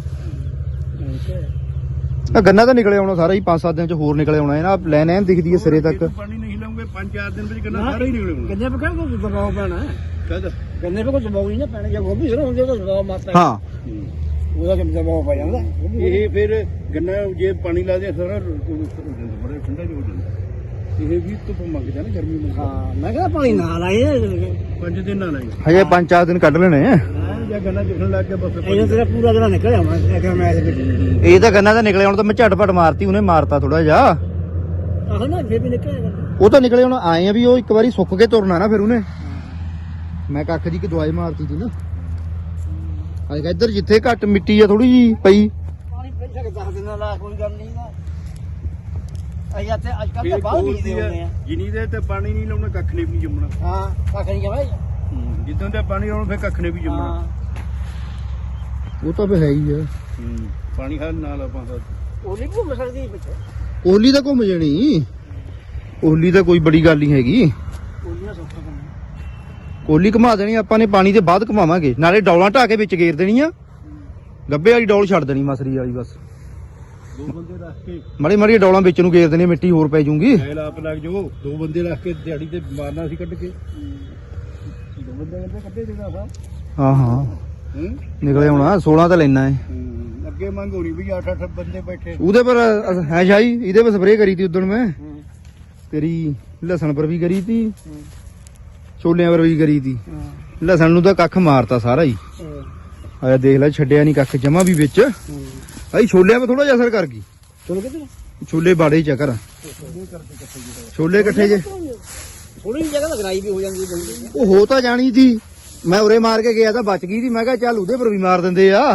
ਆ ਗੰਨਾ ਤਾਂ ਨਿਕਲੇ ਆਉਣਾ ਸਾਰਾ ਹੀ ਪੰਜ ਸੱਤ ਦਿਨ ਚ ਹੋਰ ਨਿਕਲੇ ਆਉਣਾ ਨਾ ਲੈਨ ਐਨ ਦਿਖਦੀ ਹੈ ਸਿਰੇ ਤੱਕ
ਪਾਣੀ ਨਹੀਂ ਲਾਉਂਗੇ ਪੰਜ ਚਾਰ ਦਿਨ ਵਿੱਚ ਗੰਨਾ ਸਾਰਾ ਹੀ ਨਿਕਲੇ ਆਉਣਾ ਗੰਨੇ ਪੇ ਕੋਈ ਦਬਾਅ ਪੈਣਾ ਕਦ ਗੰਨੇ ਪੇ ਕੋਈ ਦਬਾਅ ਨਹੀਂ ਨਾ ਪੈਣਾ ਜੇ ਗੋਭੀ ਸਰੋਂ ਹੁੰਦੇ ਤਾਂ ਦਬਾਅ ਮਾਰਦਾ
ਹਾਂ
ਉਹਦਾ ਕਿ ਦਬਾਅ ਪੈ ਜਾਂਦਾ ਇਹ ਫਿਰ ਗੰਨਾ ਜੇ ਪਾਣੀ ਲਾ ਦੇ ਸਾਰਾ ਬੜਾ ਠੰਡਾ ਹੋ ਜਾਂਦਾ ਇਹ ਵੀ ਧੁੱਪ ਮੰਗਦਾ ਨਾ ਗਰਮੀ ਮੰਗਦਾ ਹਾਂ ਮੈਂ ਕਹਿੰਦਾ ਪਾਣੀ ਨਾ ਲਾਏ ਪੰਜ ਦਿਨ ਨਾ ਲਾਏ
ਹਜੇ ਪੰਜ ਚਾਰ ਦਿਨ ਕੱਢ ਲੈਣੇ
ਜਾਂ ਗੰਨਾ ਦਿਖਣ ਲੱਗ ਗਿਆ ਬਸ ਇਹ ਤੇਰਾ ਪੂਰਾ ਗੰਨਾ ਨਿਕਲ ਆਉਣਾ ਮੈਂ ਮੈਂ ਵਿੱਚ
ਇਹ ਤਾਂ ਗੰਨਾ ਤਾਂ ਨਿਕਲੇ ਹੁਣ ਤਾਂ ਮੈਂ ਝਟਪਟ ਮਾਰਤੀ ਉਹਨੇ ਮਾਰਤਾ ਥੋੜਾ ਜਿਹਾ
ਆਹ ਨਾ ਫੇਰ ਵੀ ਨਿਕਲਿਆ
ਉਹ ਤਾਂ ਨਿਕਲੇ ਹੁਣ ਆਏ ਆ ਵੀ ਉਹ ਇੱਕ ਵਾਰੀ ਸੁੱਕ ਕੇ ਤੁਰਨਾ ਨਾ ਫਿਰ ਉਹਨੇ ਮੈਂ ਕੱਖ ਦੀ ਕਿ ਦਵਾਈ ਮਾਰਤੀ ਸੀ ਨਾ ਅੱਜ ਇੱਧਰ ਜਿੱਥੇ ਘੱਟ ਮਿੱਟੀ ਆ ਥੋੜੀ ਜੀ ਪਈ
ਪਾਣੀ ਪੈਸਾ ਕਿ ਦਸ ਦਿਨਾਂ ਦਾ ਕੋਈ ਗੱਲ ਨਹੀਂ ਨਾ ਅਜਾ ਤੇ ਅੱਜ ਕੱਲ ਤਾਂ ਬਾਹਰ ਬੀਜਦੇ ਹੁੰਦੇ ਆ ਜਿਨੀ ਦੇ ਤੇ ਪਾਣੀ ਨਹੀਂ ਲਾਉਣਾ ਕੱਖ ਨੇ ਵੀ ਜੰਮਣਾ ਹਾਂ ਕੱਖ ਨਹੀਂ ਜਮਾ ਜਿੱਦਾਂ ਤੇ ਪਾਣੀ ਲਾਉਣਾ ਫਿਰ ਕੱਖ ਨੇ ਵੀ ਜੰਮਣਾ
ਉਹ ਤਾਂ ਫੇ ਹੈ ਹੀ ਆ
ਪਾਣੀ ਹਰ ਨਾਲ ਆਪਾਂ ਦਾ ਉਹਲੀ ਘੁੰਮ ਸਕਦੀ ਵਿੱਚ
ਓਲੀ ਤਾਂ ਘੁੰਮ ਜਾਣੀ ਓਲੀ ਤਾਂ ਕੋਈ ਬੜੀ ਗੱਲ ਨਹੀਂ ਹੈਗੀ
ਉਹਲੀਆਂ ਸੌਖਾ ਕੰਮ
ਕੋਲੀ ਘੁਮਾ ਦੇਣੀ ਆਪਾਂ ਨੇ ਪਾਣੀ ਦੇ ਬਾਅਦ ਘੁਮਾਵਾਂਗੇ ਨਾਲੇ ਡੌਲਾਂ ਢਾ ਕੇ ਵਿੱਚ ਗੇਰ ਦੇਣੀ ਆ ਗੱਬੇ ਵਾਲੀ ਡੌਲ ਛੱਡ ਦੇਣੀ ਮਸਰੀ ਵਾਲੀ ਬਸ
ਦੋ ਬੰਦੇ ਰੱਖ ਕੇ
ਮਾੜੀ ਮਾੜੀ ਡੌਲਾਂ ਵਿੱਚ ਨੂੰ ਗੇਰ ਦੇਣੀ ਮਿੱਟੀ ਹੋਰ ਪੈ ਜੂਗੀ
ਐਲ ਆਪ ਲੱਗ ਜਾਓ ਦੋ ਬੰਦੇ ਰੱਖ ਕੇ ਦਿਹਾੜੀ ਤੇ ਮਾਰਨਾ ਸੀ ਕੱਢ ਕੇ ਦੋ ਬੰਦੇ ਕਹਿੰਦੇ ਕੱਢੇ ਦੇਣਾ ਸਾਹਿਬ
ਹਾਂ ਹਾਂ ਨਿਕਲੇ ਆਉਣਾ ਸੋਲਾਂ ਤਾਂ ਲੈਣਾ ਹੈ
ਅੱਗੇ ਮੰਗ ਹੋਣੀ ਵੀ ਅੱਠ ਅੱਠ ਬੰਦੇ ਬੈਠੇ
ਉਹਦੇ ਪਰ ਹੈ ਸ਼ਾਈ ਇਹਦੇ ਪਰ ਸਪਰੇਅ ਕਰੀ ਤੀ ਉਦੋਂ ਮੈਂ ਤੇਰੀ ਲਸਣ ਪਰ ਵੀ ਕਰੀ ਤੀ ਛੋਲਿਆਂ ਪਰ ਵੀ ਕਰੀ ਤੀ ਲਸਣ ਨੂੰ ਤਾਂ ਕੱਖ ਮਾਰਤਾ ਸਾਰਾ ਹੀ ਆਇਆ ਦੇਖ ਲੈ ਛੱਡਿਆ ਨਹੀਂ ਕੱਖ ਜਮਾ ਵੀ ਵਿੱਚ ਆਈ ਛੋਲਿਆਂ 'ਤੇ ਥੋੜਾ ਜਿਹਾ ਅਸਰ ਕਰ ਗਈ
ਚਲੋ ਕਿੱਧਰ
ਛੋਲੇ ਬਾੜੇ ਚ ਕਰ ਛੋਲੇ ਇਕੱਠੇ ਜੇ
ਥੋੜੀ ਜਿਹੀ ਜਗ੍ਹਾ ਲਗਾਈ ਵੀ ਹੋ ਜਾਂਦੀ ਹੈ
ਉਹ ਹੋ ਤਾਂ ਜਾਣੀ ਸੀ ਮੈਂ ਉਰੇ ਮਾਰ ਕੇ ਗਿਆ ਤਾਂ ਬਚ ਗਈ ਸੀ ਮੈਂ ਕਿਹਾ ਚੱਲ ਉਹਦੇ ਪਰ ਵੀ ਮਾਰ ਦਿੰਦੇ ਆ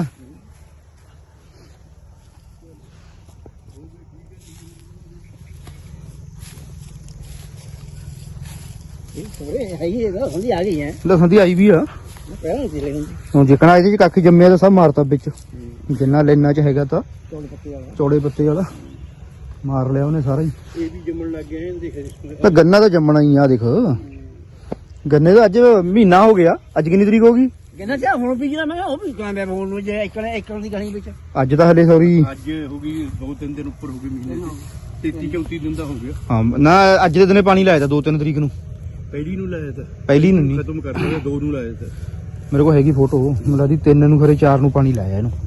ਥੋੜੇ ਹੈ ਹੀ ਇਹਦਾ ਹੁੰਦੀ ਆ ਗਈ ਹੈ
ਲਸਣ ਦੀ ਆਈ ਵੀ ਆ
ਪਹਿਲਾਂ ਨਹੀਂ ਸੀ ਲੈਂਦੀ
ਹੁਣ ਜਿਕਣਾ ਇਹਦੇ ਚ ਕੱਖ ਜੰਮਿਆ ਤਾਂ ਸਭ ਮਾਰਤਾ ਵਿੱਚ ਜਿੰਨਾ ਲੈਣਾ ਚ ਹੈਗਾ ਤਾਂ
ਚੌੜੇ ਪੱਤੇ ਵਾਲਾ
ਚੌੜੇ ਪੱਤੇ ਵਾਲਾ ਮਾਰ ਲਿਆ ਉਹਨੇ ਸਾਰਾ ਹੀ
ਇਹ ਵੀ ਜੰਮਣ ਲੱਗ ਗਿਆ ਇਹ ਦੇਖ
ਤਾਂ ਗੰਨਾ ਤਾਂ ਜੰਮਣਾ ਹੀ ਆ ਦੇਖ ਗੰਨੇ ਦਾ ਅੱਜ ਮਹੀਨਾ ਹੋ ਗਿਆ ਅੱਜ ਕਿੰਨੀ ਤਰੀਕ ਹੋ ਗਈ
ਕਹਿੰਦਾ ਚਾ ਹੁਣ ਬੀਜਣਾ ਮੈਂ ਉਹ ਵੀ ਕਹਿੰਦਾ ਹੁਣ ਨੂੰ ਜੇ ਇੱਕ ਇੱਕ ਦੀ ਗਣੀ ਵਿੱਚ
ਅੱਜ ਤਾਂ ਹਲੇ ਸੌਰੀ
ਅੱਜ ਹੋ ਗਈ ਦੋ ਤਿੰਨ ਦਿਨ ਉੱਪਰ ਹੋ ਗਏ ਮਹੀਨੇ ਤੇਤੀ ਚੌਤੀ ਦਿਨ ਦਾ ਹੋ ਗਿਆ
ਹਾਂ ਨਾ ਅੱਜ ਦੇ ਦਿਨੇ ਪਾਣੀ ਲਾਇਆ ਤਾਂ ਦੋ ਤਿੰਨ ਤਰੀਕ ਨੂੰ
ਪਹਿਲੀ ਨੂੰ ਲਾਇਆ ਤਾਂ
ਪਹਿਲੀ ਨੂੰ ਨਹੀਂ
ਖਤਮ ਕਰ ਲਿਆ ਦੋ ਨੂੰ ਲਾਇਆ ਤਾਂ
ਮੇਰੇ ਕੋਲ ਹੈਗੀ ਫੋਟੋ ਮੈਨੂੰ ਲੱਗਦੀ ਤਿੰਨ ਨੂੰ ਖਰੇ ਚਾਰ ਨੂੰ ਪਾਣੀ ਲਾਇਆ ਇਹਨੂੰ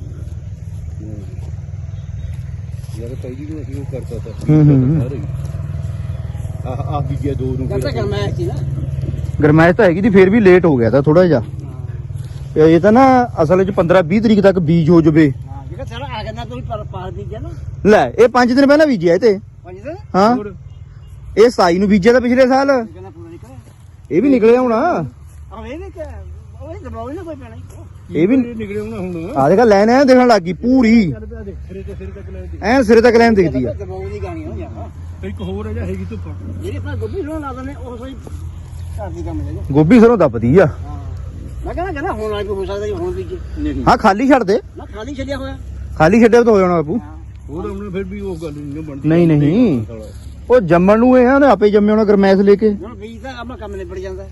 ਯਾਰ ਪਹਿਲੀ ਨੂੰ ਅਸੀਂ ਉਹ ਕਰਤਾ ਤਾਂ
ਹੂੰ ਹੂੰ
ਆਹ ਆਹ ਬੀਜਿਆ ਦੋ ਨੂੰ ਕਰਤਾ ਗਰਮੈਸ਼ ਸੀ ਨਾ
ਗਰਮੈਸ਼ ਤਾਂ ਹੈਗੀ ਦੀ ਫੇਰ ਵੀ ਲੇਟ ਹੋ ਗਿਆ ਤਾਂ ਥੋੜਾ ਜਿਹਾ ਇਹ ਤਾਂ ਨਾ ਅਸਲ ਵਿੱਚ ਪੰਦਰਾਂ ਵੀਹ ਤਰੀਕ ਤੱਕ ਬੀਜ ਹੋ ਜਵੇ
ਹਾਂ ਜਿਹੜਾ ਸਾਰਾ ਆ ਗਿਆ ਤੁਸੀਂ ਪਰ ਪਾਰ ਬੀਜਿਆ ਨਾ
ਲੈ ਇਹ ਪੰਜ ਦਿਨ ਪਹਿਲਾਂ ਬੀਜਿਆ ਇਹ ਤੇ
ਪੰਜ ਦਿਨ
ਹਾਂ ਇਹ ਸਤਾਈ ਨੂੰ ਬੀਜਿਆ ਤਾਂ ਪਿਛਲੇ ਸਾਲ
ਕਹਿੰਦਾ ਪੂਰਾ ਨਿਕਲਿਆ
ਇਹ ਵੀ ਨਿਕਲਿਆ ਹੋਣਾ
ਆ ਇਹ ਵੀ ਕਿ ਉਹ ਦਬਾਉ ਨਾ ਕੋਈ ਪੈਣਾ
ਇਹ ਵੀ
ਨਿਕਲੇ ਹੁਣ ਹੁਣ
ਆ ਦੇਖਾ ਲੈਣ ਐ ਦੇਖਣ ਲੱਗੀ ਪੂਰੀ
ਸਿਰੇ ਤੇ ਸਿਰੇ ਤੱਕ ਲੈ
ਐ ਸਿਰੇ ਤੱਕ ਲੈਣ ਦਿਖਦੀ ਆ
ਦਬਾਉ ਦੀ ਗਾਣੀ ਹੋ ਜਾਂਦਾ ਇੱਕ ਹੋਰ ਹੈ ਜਾਂ ਹੈਗੀ ਧੁੱਪ ਜਿਹੜੀ ਆਪਣਾ ਗੋਭੀ ਨੂੰ ਲਾ ਦਿੰਦੇ ਉਹ ਕੋਈ ਘਰ ਦੀ ਕੰਮ ਲੈ
ਗੋਭੀ ਸਰੋਂ ਦੱਬਦੀ ਆ
ਹਾਂ ਮੈਂ ਕਹਿੰਦਾ ਕਹਿੰਦਾ ਹੁਣ ਆ ਹੋ ਸਕਦਾ ਜੀ ਹੁਣ ਵੀ ਨਹੀਂ
ਹਾਂ ਖਾਲੀ ਛੱਡ ਦੇ
ਨਾ ਖਾਲੀ ਛੱਡਿਆ ਹੋਇਆ
ਖਾਲੀ ਛੱਡਿਆ ਤਾਂ ਹੋ ਜਾਣਾ ਬਾਪੂ
ਉਹ ਤਾਂ ਹੁਣ ਫਿਰ ਵੀ ਉਹ ਗੱਲ ਨਹੀਂ ਬਣਦੀ
ਨਹੀਂ ਨਹੀਂ ਉਹ ਜੰਮਣ ਨੂੰ ਇਹ ਆ ਉਹਨੇ ਆਪੇ ਜੰਮੇ ਹੋਣਾ ਗਰਮੈਸ ਲੈ ਕੇ
ਹੁਣ ਬੀਜ ਦਾ ਆਪਣਾ ਕੰਮ ਨਿਬੜ ਜਾਂਦਾ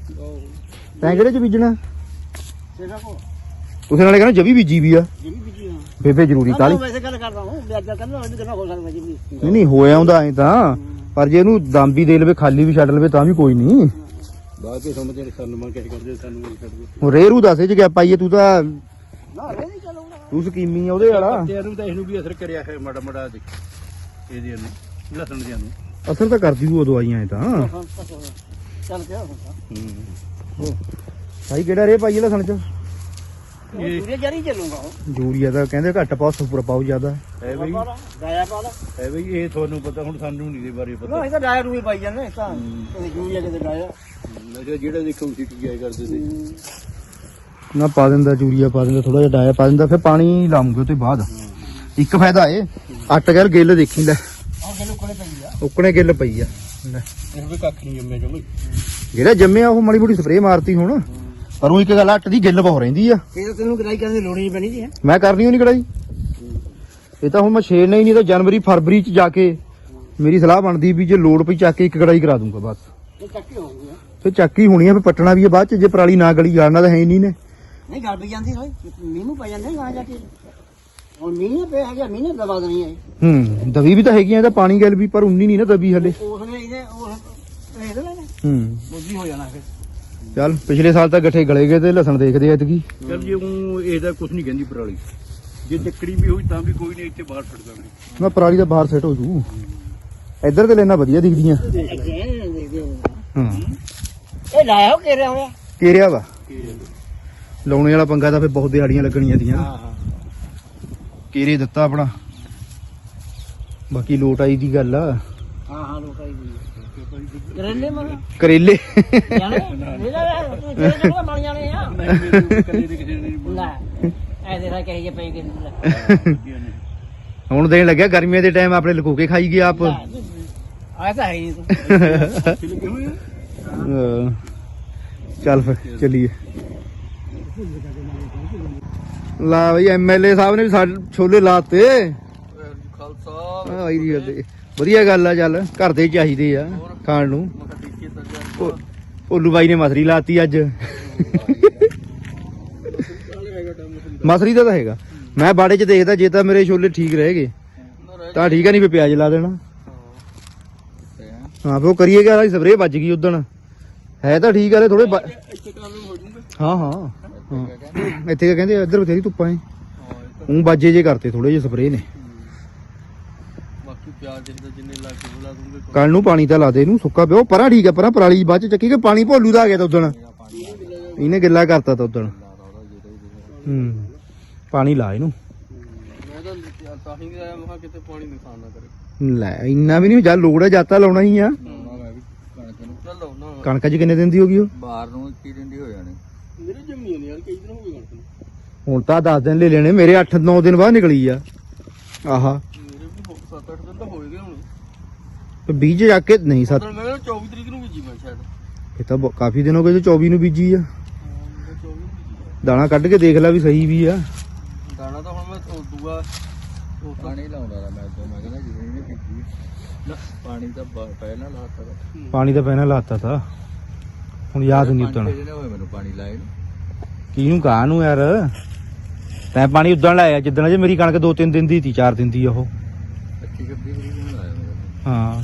ਤੈਂ ਕਿਹੜੇ ਚ ਬੀਜਣਾ
ਸੇਗਾ ਕੋ
ਉਸੇ ਨਾਲੇ ਕਹਿੰਦਾ ਜਵੀ ਬੀਜੀ ਵੀ ਆ
ਜਿਹੜੀ ਬੀਜੀ ਹਾਂ
ਬੇਬੇ ਜ਼ਰੂਰੀ ਕਾਲੀ
ਵੈਸੇ ਗੱਲ ਕਰਦਾ ਹਾਂ ਵਿਆਜਾ ਕਰਨਾ ਉਹ ਕਿੰਨਾ ਹੋ ਸਕਦਾ ਜੀ
ਨਹੀਂ ਨਹੀਂ ਹੋਇਆ ਹੁੰਦਾ ਐ ਤਾਂ ਪਰ ਜੇ ਇਹਨੂੰ ਦਮ ਵੀ ਦੇ ਲਵੇ ਖਾਲੀ ਵੀ ਛੱਡ ਲਵੇ ਤਾਂ ਵੀ ਕੋਈ ਨਹੀਂ
ਬਾਅਦ ਕੇ ਸਮਝ ਜਿਹੜੇ ਸਾਨੂੰ ਮੰਗ ਕੇ ਕਰਦੇ ਸਾਨੂੰ ਨਹੀਂ ਛੱਡਦੇ
ਹੁਣ ਰੇਰੂ ਦੱਸੇ ਚ ਗਿਆ ਪਾਈਏ ਤੂੰ ਤਾਂ
ਨਾ ਰੇ ਨਹੀਂ ਚਲਾਉਣਾ
ਤੂੰ ਸਕੀਮੀ ਆ ਉਹਦੇ ਵਾਲਾ
ਤੇ ਇਹਨੂੰ ਤਾਂ ਇਹਨੂੰ ਵੀ ਅਸਰ ਕਰਿਆ ਹੈ ਮਾੜਾ ਮਾੜਾ ਦੇਖ ਇਹਦੇ ਨੂੰ ਲਸਣ ਦੇ ਨੂੰ
ਅਸਰ ਤਾਂ ਕਰਦੀ ਉਹ ਦਵਾਈਆਂ ਐ ਤਾਂ
ਚੱਲ ਪਿਆ ਹੁਣ
ਉਹ ਭਾਈ ਕਿਹੜਾ ਰੇ ਪਾਈਏ ਲਸਣ ਚ
ਇਹ ਪੂਰੇ ਜਾਰੀ ਚੱਲੂਗਾ ਉਹ
ਯੂਰੀਆ ਤਾਂ ਕਹਿੰਦੇ ਘੱਟ ਪਾਓ ਸੁਪਰ ਪਾਓ ਜ਼ਿਆਦਾ
ਹੈ ਬਈ ਗਾਇਆ ਪਾ ਲਾ
ਹੈ ਬਈ ਇਹ ਤੁਹਾਨੂੰ ਪਤਾ ਹੁਣ ਸਾਨੂੰ ਨਹੀਂ ਦੇ ਬਾਰੇ ਪਤਾ
ਨਾ ਇਹ ਤਾਂ ਡਾਇਆ ਰੂਹੀ ਪਾਈ ਜਾਂਦੇ ਤਾਂ ਯੂਰੀਆ ਕਿਤੇ ਡਾਇਆ
ਮੈਂ ਜਿਹੜਾ ਦੇਖੋ ਸਿੱਟ ਗਿਆ ਕਰਦੇ ਸੀ
ਨਾ ਪਾ ਦਿੰਦਾ ਯੂਰੀਆ ਪਾ ਦਿੰਦਾ ਥੋੜਾ ਜਿਹਾ ਡਾਇਆ ਪਾ ਦਿੰਦਾ ਫਿਰ ਪਾਣੀ ਲਾਉਂਗੇ ਉਹ ਤੋਂ ਬਾਅਦ ਇੱਕ ਫਾਇਦਾ ਏ ਅੱਟ ਗੈਲ ਗਿੱਲ ਦੇਖੀ ਲੈ
ਆਹ ਗੱਲ ਕੋਲੇ ਪਈ ਆ
ਉੱਕਣੇ ਗਿੱਲ ਪਈ ਆ ਲੈ
ਇਹ ਵੀ ਕੱਖ ਨਹੀਂ ਜੰਮਿਆ ਜਮਈ
ਜਿਹੜਾ ਜੰਮਿਆ ਉਹ ਮਾੜੀ ਮੋਟੀ ਸਪਰੇਅ ਮਾਰਤੀ ਹੁਣ ਪਰ ਉਹ ਇੱਕ ਗੱਲ ਅੱਟ ਦੀ ਗਿੱਲ ਬਹੁਤ ਰਹਿੰਦੀ ਆ
ਇਹ ਤਾਂ ਤੈਨੂੰ ਗਰਾਈ ਕਰਨ ਦੀ ਲੋੜ ਨਹੀਂ ਪੈਣੀ ਜੀ ਹੈ
ਮੈਂ ਕਰਨੀ ਉਹ ਨਹੀਂ ਕੜਾਈ ਇਹ ਤਾਂ ਹੁਣ ਮੈਂ ਛੇੜਨਾ ਹੀ ਨਹੀਂ ਤਾਂ ਜਨਵਰੀ ਫਰਵਰੀ ਚ ਜਾ ਕੇ ਮੇਰੀ ਸਲਾਹ ਬਣਦੀ ਵੀ ਜੇ ਲੋੜ ਪਈ ਚੱਕ ਕੇ ਇੱਕ ਕੜਾਈ ਕਰਾ ਦੂੰਗਾ ਬਸ
ਇਹ ਚੱਕੀ ਹੋ ਗਿਆ
ਫਿਰ ਚੱਕੀ ਹੋਣੀ ਆ ਫਿਰ ਪੱਟਣਾ ਵੀ ਆ ਬਾਅਦ ਚ ਜੇ ਪਰਾਲੀ ਨਾ ਗਲੀ ਜਾਣਾ ਤਾਂ ਹੈ ਹੀ ਨਹੀਂ ਨੇ
ਨਹੀਂ ਗੱਲ ਵੀ ਜਾਂਦੀ ਹੋਈ ਮੀਂਹ ਨੂੰ ਪੈ ਜਾਂਦੇ ਗਾਂ ਜਾ ਕੇ ਹੁਣ ਮੀਂਹ ਨੇ ਪਿਆ ਹੈਗਾ ਮੀਂਹ ਨੇ ਦਬਾ ਦੇਣੀ ਹੈ
ਹੂੰ ਦਵੀ ਵੀ ਤਾਂ ਹੈਗੀ ਆ ਇਹਦਾ ਪਾਣੀ ਗੱਲ ਵੀ ਪਰ ਉਨੀ ਨਹੀਂ ਨਾ ਦਬੀ ਹਲੇ
ਉਸ ਨੇ ਇਹਦੇ ਉਹ ਇਹਦੇ ਲੈ ਨੇ
ਹੂੰ
ਬੁੱਝੀ ਹੋ ਜਾਣਾ ਫਿਰ
ਚੱਲ ਪਿਛਲੇ ਸਾਲ ਤਾਂ ਗੱਠੇ ਗਲੇ ਗਏ ਤੇ ਲਸਣ ਦੇਖਦੇ ਐਤਕੀ
ਚਲ ਜੇ ਉਹ ਇਹਦਾ ਕੁਝ ਨਹੀਂ ਕਹਿੰਦੀ ਪਰਾਲੀ ਜੇ ਚੱਕੜੀ ਵੀ ਹੋਈ ਤਾਂ ਵੀ ਕੋਈ ਨਹੀਂ ਇੱਥੇ ਬਾਹਰ ਛੱਡ ਦਾਂਗੇ
ਨਾ ਪਰਾਲੀ ਦਾ ਬਾਹਰ ਸੈੱਟ ਹੋ ਜੂ ਇੱਧਰ ਤੇ ਲੈਣਾ ਵਧੀਆ ਦਿਖਦੀਆਂ ਹਾਂ
ਇਹ ਲਾਇਆ ਹੋ ਕੇ ਰਿਹਾ ਹੋਇਆ
ਕੇਰਿਆ ਵਾ ਲਾਉਣੇ ਵਾਲਾ ਪੰਗਾ ਤਾਂ ਫਿਰ ਬਹੁਤ ਦਿਹਾੜੀਆਂ ਲੱਗਣੀਆਂ ਦੀਆਂ
ਹਾਂ ਹਾਂ
ਕੇਰੇ ਦਿੱਤਾ ਆਪਣਾ ਬਾਕੀ ਲੋਟ ਆਈ ਦੀ ਗੱਲ ਆ
ਹਾਂ ਹਾਂ ਲੋਕਾਂ ਦੀ ਕਰੇਲੇ ਮਨ
ਕਰੇਲੇ
ਜਾਣੇ ਇਹਦਾ ਤੂੰ ਜਿਹੜੇ ਜਿਹੜੇ ਬਣ ਜਾਣੇ ਆ
ਕਦੇ ਦੇ ਕਿਸੇ ਨੇ
ਲੈ ਐ ਦੇਖਾ ਕਹੇ ਜੇ ਪਈ ਕਿ
ਹੁਣ ਦੇਣ ਲੱਗਿਆ ਗਰਮੀਆਂ ਦੇ ਟਾਈਮ ਆਪਣੇ ਲੁਕੋ ਕੇ ਖਾਈ ਗਿਆ ਆਪ
ਆਇਆ ਤਾਂ ਹੈ ਹੀ ਨਹੀਂ ਤੂੰ
ਅਹ ਚੱਲ ਫਿਰ ਚੱਲੀਏ ਲਾ ਬਈ ਐਮਐਲਏ ਸਾਹਿਬ ਨੇ ਵੀ ਸਾਡੇ ਛੋਲੇ ਲਾਤੇ
ਖਾਲਸਾ
ਆ ਬਾਈ ਦੀ ਗੱਲ ਤੇ ਵਧੀਆ ਗੱਲ ਆ ਚੱਲ ਘਰ ਦੇ ਚਾਹੀਦੇ ਆ ਖਾਣ ਨੂੰ ਭੋ- ਭੋਲੂ ਬਾਈ ਨੇ ਮਸਰੀ ਲਾਤੀ ਅੱਜ ਮਸਰੀ ਦਾ ਤਾਂ ਹੈਗਾ ਮੈਂ ਬਾੜੇ 'ਚ ਦੇਖਦਾ ਜੇ ਤਾਂ ਮੇਰੇ ਛੋਲੇ ਠੀਕ ਰਹੇਗੇ ਤਾਂ ਠੀਕ ਆ ਨਹੀਂ ਫੇ ਪਿਆਜ਼ ਲਾ ਦੇਣਾ ਹਾਂ ਫੇ ਉਹ ਕਰੀਏ ਕਿ ਸਪਰੇਅ ਵੱਜ ਗਈ ਉਦਣ ਹੈ ਤਾਂ ਠੀਕ ਆ ਥੋੜੇ ਹਾਂ ਹਾਂ ਹਾਂ ਇੱਥੇ ਕਿਆ ਕਹਿੰਦੇ ਇੱਧਰ ਬਥੇਰੀ ਧੁੱਪਾਂ ਐ ਉਹ ਬਾਜੇ ਜੇ ਕਰਤੇ ਥੋੜੇ ਜਿਹੇ ਸਪਰੇਅ ਨੇ
ਬਾਕੀ ਪਿਆਜ਼ ਦੇ ਜਿੰਨੇ ਲਾ ਕੇ ਬੁਲਾ ਦੂੰਗੇ
ਕੱਲ ਨੂੰ ਪਾਣੀ ਤਾਂ ਲਾ ਦੇ ਇਹਨੂੰ ਸੁੱਕਾ ਪਿਓ ਪਰਾਂ ਠੀਕ ਆ ਪਰਾਂ ਪਰਾਲੀ ਬਾਅਦ ਚ ਚੱਕੀ ਕਿ ਪਾਣੀ ਭੋਲੂ ਦਾ ਆ ਗਿਆ ਤਾਂ ਉਦਣ ਇਹਨੇ ਗਿੱਲਾ ਕਰਤਾ ਤਾਂ ਉਦਣ ਹੂੰ ਪਾਣੀ ਲਾ ਇਹਨੂੰ
ਮੈਂ ਤਾਂ ਤਾਂ ਹੀ ਆਇਆ ਮਹਾ ਕਿਤੇ ਪਾਣੀ ਨਹੀਂ ਖਾਣਾ ਕਰੇ
ਲੈ ਇੰਨਾ ਵੀ ਨਹੀਂ ਜਾਂ ਲੋੜ ਹੈ ਜਾਤਾ ਲਾਉਣਾ ਹੀ ਆ
ਮੈਂ ਵੀ ਕਣਕ ਨੂੰ ਚੱਲ ਲਾਉਣਾ
ਕਣਕ ਚ ਕਿੰਨੇ ਦਿਨ ਦੀ ਹੋ ਗਈ ਉਹ
ਬਾਹਰ ਨੂੰ ਕੀ ਦਿੰਦੀ ਹੋ ਜਾਣੀ ਮੇਰੇ ਜੰਮੀ ਨੇ ਯਾਰ ਕਈ ਦਿਨ ਹੋ ਗਏ ਕਣਕ ਨੂੰ
ਹੁਣ ਤਾਂ ਦਸ ਦਿਨ ਲੈ ਲੈਣੇ ਮੇਰੇ ਅੱਠ ਨੌ ਦਿਨ ਬਾਅਦ ਨਿਕਲੀ ਆ ਆਹਾ
ਮੇਰੇ ਵੀ ਸੱਤ ਅੱਠ ਦਿਨ ਤਾਂ ਹੋਏ ਗਏ ਹੁਣ
ਤੇ ਬੀਜ ਜਾ ਕੇ ਨਹੀਂ ਸੱਤ
ਮੈਂ ਕਿਹਾ ਚੌਵੀ ਤਰੀਕ ਨੂੰ ਬੀਜੀ ਮੈਂ ਸ਼ਾਇਦ
ਇਹ ਤਾਂ ਬਹੁਤ- ਕਾਫੀ ਦਿਨ ਹੋ ਗਏ ਜੋ ਚੌਵੀ ਨੂੰ ਬੀਜੀ ਆ
ਚੌਵੀ ਨੂੰ ਬੀਜੀ
ਦਾਣਾ ਕੱਢ ਕੇ ਦੇਖ ਲੈ ਵੀ ਸਹੀ ਵੀ ਆ
ਦਾਣਾ ਤਾਂ ਹੁਣ ਮੈਂ ਉਹ ਦੂਆ ਉਹ ਪਾਣੀ ਲਾਉਂਦਾ ਦਾ ਮੈਂ ਤੋਂ ਮੈਂ ਕਹਿੰਦਾ ਜਿਵੇਂ ਇਹਨੇ ਬੀਜੀ ਨਾ ਪਾਣੀ ਤਾਂ ਬ- ਪਹਿਲਾਂ ਲਾਤਾ ਤਾ।
ਪਾਣੀ ਤਾਂ ਪਹਿਲਾਂ ਲਾਤਾ ਤਾ ਹੁਣ ਯਾਦ ਨਹੀਂ ਉਤਣ
ਭੇਜਣੇ ਹੋਏ ਮੈਨੂੰ ਪਾਣੀ ਲਾਏ ਨੂੰ
ਕਿਹਨੂੰ ਕਹਾਂ ਨੂੰ ਯਾਰ ਤੈਂ ਪਾਣੀ ਉਦਣ ਲਾਇਆ ਜਿੱਦਣ ਜੇ ਮੇਰੀ ਕਣਕ ਦੋ ਤਿੰਨ ਦਿਨ ਦੀ ਸੀ ਚਾਰ ਦਿਨ ਦੀ ਉਹ
ਪੱਚੀ ਛੱਬੀ ਤਰੀਕ ਨੂੰ ਲਾਇਆ ਮੇਰਾ
ਹਾਂ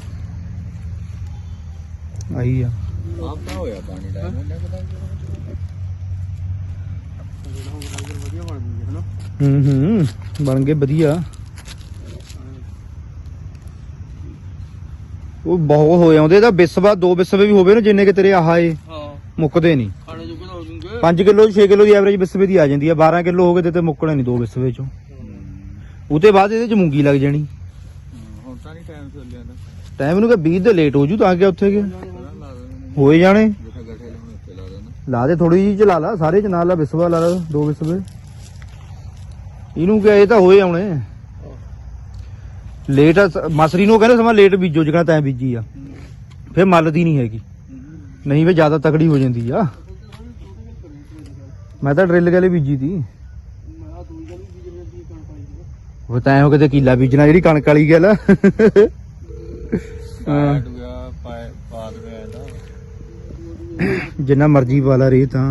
ਆਈ ਆ
ਆਪ ਤਾਂ ਹੋਇਆ ਪਾਣੀ ਲਾਇਆ ਮੈਨੂੰ ਪਤਾ
ਵਧੀਆ ਬਣ ਗਈ ਹੈ ਨਾ
ਹੂੰ ਹੂੰ ਬਣ ਗਏ ਵਧੀਆ ਉਹ ਬਹੁਤ ਹੋ ਜਾਂਦੇ ਤਾਂ ਬਿਸਵਾ ਦੋ ਬਿਸਵੇ ਵੀ ਹੋਵੇ ਨਾ ਜਿੰਨੇ ਕਿ ਤੇਰੇ ਆਹ ਏ
ਹਾਂ
ਮੁੱਕਦੇ ਨਹੀਂ
ਖਾਣੇ ਜੋਗੇ ਤਾਂ ਹੋ ਜੂਗੇ
ਪੰਜ ਕਿਲੋ ਛੇ ਕਿਲੋ ਦੀ ਐਵਰੇਜ ਬਿਸਵੇ ਦੀ ਆ ਜਾਂਦੀ ਆ ਬਾਰਾਂ ਕਿਲੋ ਹੋ ਗਏ ਤੇ ਤੇ ਮੁੱਕਣੇ ਨਹੀਂ ਦੋ ਬਿਸਵੇ ਚੋਂ ਉਹਦੇ ਬਾਅਦ ਇਹਦੇ ਚ ਮੂੰਗੀ ਲੱਗ ਜਾਣੀ
ਹੁਣ ਤਾਂ ਨਹੀਂ ਟਾਈਮ ਚੱਲਿਆ ਨਾ
ਟਾਈਮ ਨੂੰ ਕਿ ਵੀਹ ਦੇ ਲੇਟ ਹੋ ਜੂ ਤਾਂ ਕਿ ਉੱਥੇ ਗਏ
ਲਾ ਦੇਣਾ
ਹੋਏ ਜਾਣੇ
ਜਿੱਥੇ ਗੱਠੇ ਲਾਉਣੇ ਉੱਤੇ ਲਾ ਦੇਣਾ
ਲਾ ਦੇ ਥੋੜੀ ਜਿਹੀ ਚਲਾ ਲਾ, ਸਾਰੇ ਚ ਨਾਲ ਲਾ, ਵਿਸਵਾ ਲਾ ਲਾ, ਦੋ ਵਿਸਵੇ। ਇਹਨੂੰ ਕਿਹਾ ਇਹ ਤਾਂ ਹੋਏ ਆਉਣੇ ਲੇਟ। ਮਸਰੀ ਨੂੰ ਕਹਿੰਦੇ ਸਮਾਂ ਲੇਟ ਬੀਜੋ ਜਿਹੜਾ ਤੈਂ ਬੀਜੀ ਆ, ਫਿਰ ਮੱਲਦੀ ਨਹੀਂ ਹੈਗੀ, ਨਹੀਂ ਫਿਰ ਜ਼ਿਆਦਾ ਤਕੜੀ ਹੋ ਜਾਂਦੀ ਆ। ਮੈਂ ਤਾਂ ਡਰਿੱਲ ਗਲੇ ਬੀਜੀ ਤੀ, ਉਹ ਤਾਂ ਐਂ ਕਿਤੇ ਕੀਲਾ ਬੀਜਣਾ ਜਿਹੜੀ ਕਣਕ ਵਾਲੀ ਗੱਲ ਆ।
ਹਾਂ ਡੂਆ ਪਾ ਪਾ ਦੇ ਇਹਦਾ
ਜਿੰਨਾ ਮਰਜੀ ਪਾ ਲਾ ਰੇ ਤਾਂ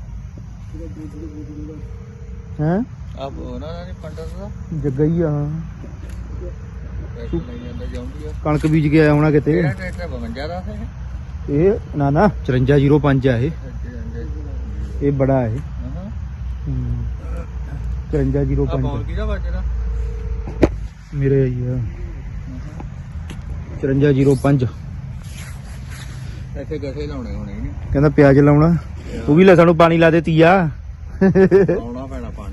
ਹੈ
ਆਪ ਉਹਨਾਂ ਨੇ ਪੰਡਤ ਦਾ
ਜੱਗਾ ਹੀ ਆ।
ਟਰੈਕਟਰ ਲਈ ਜਾਂਦਾ ਜਾਂਦੀ ਆ।
ਕਣਕ ਬੀਜ ਕੇ ਆਇਆ ਹੋਣਾ ਕਿਤੇ।
ਕਿਹੜਾ ਟਰੈਕਟਰ ਬਵੰਜਾ ਦਾ ਹੈ
ਇਹ ਨਾ ਨਾ ਚੁਰੰਜਾ ਜ਼ੀਰੋ ਪੰਜ ਆ ਇਹ, ਇਹ ਬੜਾ ਇਹ
ਹਾਂ
ਚੁਰੰਜਾ ਜ਼ੀਰੋ
ਆ ਬੌਲ
ਪੰਜ
ਕਿਹਦਾ ਵੱਜਦਾ
ਮੇਰੇ ਆਈ ਆ ਚੁਰੰਜਾ ਜ਼ੀਰੋ ਪੰਜ।
ਇੱਥੇ ਗੱਠੇ ਲਾਉਣੇ ਹੋਣੇ ਨੇ,
ਕਹਿੰਦਾ ਪਿਆਜ਼ ਲਾਉਣਾ, ਉਹ ਵੀ ਲਸਣ ਨੂੰ ਪਾਣੀ ਲਾ ਦੇ ਤੀਆ।
ਲਾਉਣਾ ਪੈਣਾ ਪਾਣੀ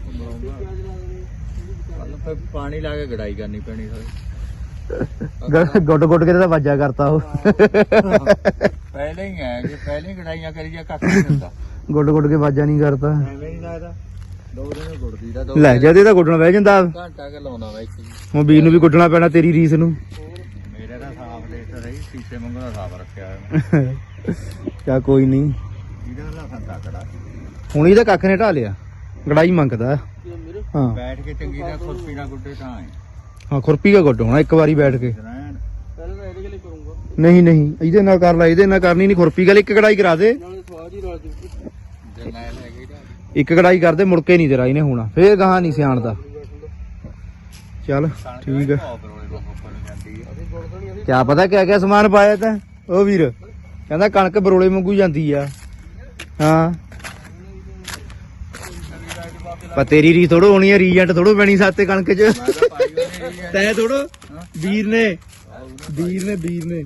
ਕੱਲ ਫਿਰ ਪਾਣੀ ਲਾ ਕੇ ਗੜਾਈ ਕਰਨੀ ਪੈਣੀ ਸਾਰੀ।
ਗੁੱਟ ਗੁੱਟ ਕੇ ਤਾਂ ਵਾਜਾ ਕਰਤਾ ਉਹ।
ਪਹਿਲੇ ਹੀ ਹੈ ਜੇ ਪਹਿਲੇ ਹੀ ਗੜਾਈਆਂ ਕਰੀਏ ਕੱਖ ਨਹੀਂ ਹੁੰਦਾ।
ਗੁੱਟ ਗੁੱਟ ਕੇ ਵਾਜਾ ਨਹੀਂ ਕਰਤਾ।
ਐਵੇਂ ਨਹੀਂ ਲੱਗਦਾ ਦੋ ਦਿਨ ਗੁੜਦੀ ਦਾ ਦੋ
ਲੈ ਜਦੇ ਤਾਂ ਗੁੱਟਣਾ ਬਹਿ ਜਾਂਦਾ।
ਘੰਟਾ ਕੇ ਲਾਉਂਦਾ ਵਾ ਇੱਕ
ਹੁਣ ਵੀਰ ਨੂੰ ਵੀ ਗੁੱਟਣਾ ਪੈਣਾ ਤੇਰੀ ਰੀਸ ਨੂੰ।
ਮੇਰੇ ਦਾ ਸਾਫ ਲੇਟ ਰਹੀ ਸ਼ੀਸ਼ੇ ਵਾਂਗੂ ਦਾ ਸਾਫ ਰੱਖਿਆ ਹੋਇਆ ਮੈਂ।
ਚਾ ਕੋਈ ਨਹੀਂ,
ਇਹਦਾ ਲਸਣ ਤਕੜਾ
ਹੁਣ ਇਹਦਾ ਕੱਖ ਨੇ ਢਾ ਲਿਆ, ਗੜਾਈ ਮੰਗਦਾ। ਹਾਂ
ਬੈਠ ਕੇ ਚੰਗੀ ਤਰ੍ਹਾਂ ਖੁਰਪੀ ਨਾਲ ਗੁੱਡੇ ਤਾਂ ਹੈ
ਹਾਂ ਖੁਰਪੀ ਦਾ ਗੁੱਟ ਹੋਣਾ ਇੱਕ ਵਾਰੀ ਬੈਠ ਕੇ।
ਰਹਿਣ
ਪਹਿਲਾਂ ਤਾਂ ਇਹਦੇ ਲਈ ਕਰੂੰਗਾ,
ਨਹੀਂ ਨਹੀਂ ਇਹਦੇ ਨਾਲ ਕਰ ਲੈ, ਇਹਦੇ ਨਾਲ ਕਰਨੀ ਨਹੀਂ, ਖੁਰਪੀ ਗੱਲ ਇੱਕ ਕੜਾਈ ਕਰਾ ਦੇ।
ਨਾਲੇ ਸਵਾਦ ਹੀ ਰਲ ਜੂ।
ਜੇ ਮੈਂ ਲੈ ਗਈ ਤਾਂ
ਇੱਕ ਕੜਾਈ ਕਰਦੇ ਮੁੜ ਕੇ ਨਹੀਂ ਤੇਰਾ ਇਹਨੇ ਹੋਣਾ, ਫੇਰ ਗਾਹਾਂ ਨਹੀਂ ਸਿਆਣਦਾ। ਚੱਲ ਠੀਕ ਆ। ਕਿਆ ਪਤਾ ਕਿਆ ਕਿਆ ਸਮਾਨ ਪਾਇਆ ਤਾਂ ਉਹ ਵੀਰ ਕਹਿੰਦਾ ਕਣਕ ਬਰੋਲੇ ਵਾਂਗੂ ਜਾਂਦੀ ਆ। ਹਾਂ ਪਰ ਤੇਰੀ ਰੀ ਥੋੜੋ ਹੋਣੀ ਆ, ਰੀਜੈਂਟ ਥੋੜੋ ਪੈਣੀ ਸਾਤੇ ਕਣਕ ਚ। ਤੈ ਥੋੜੋ ਵੀਰ ਨੇ ਵੀਰ ਨੇ ਵੀਰ ਨੇ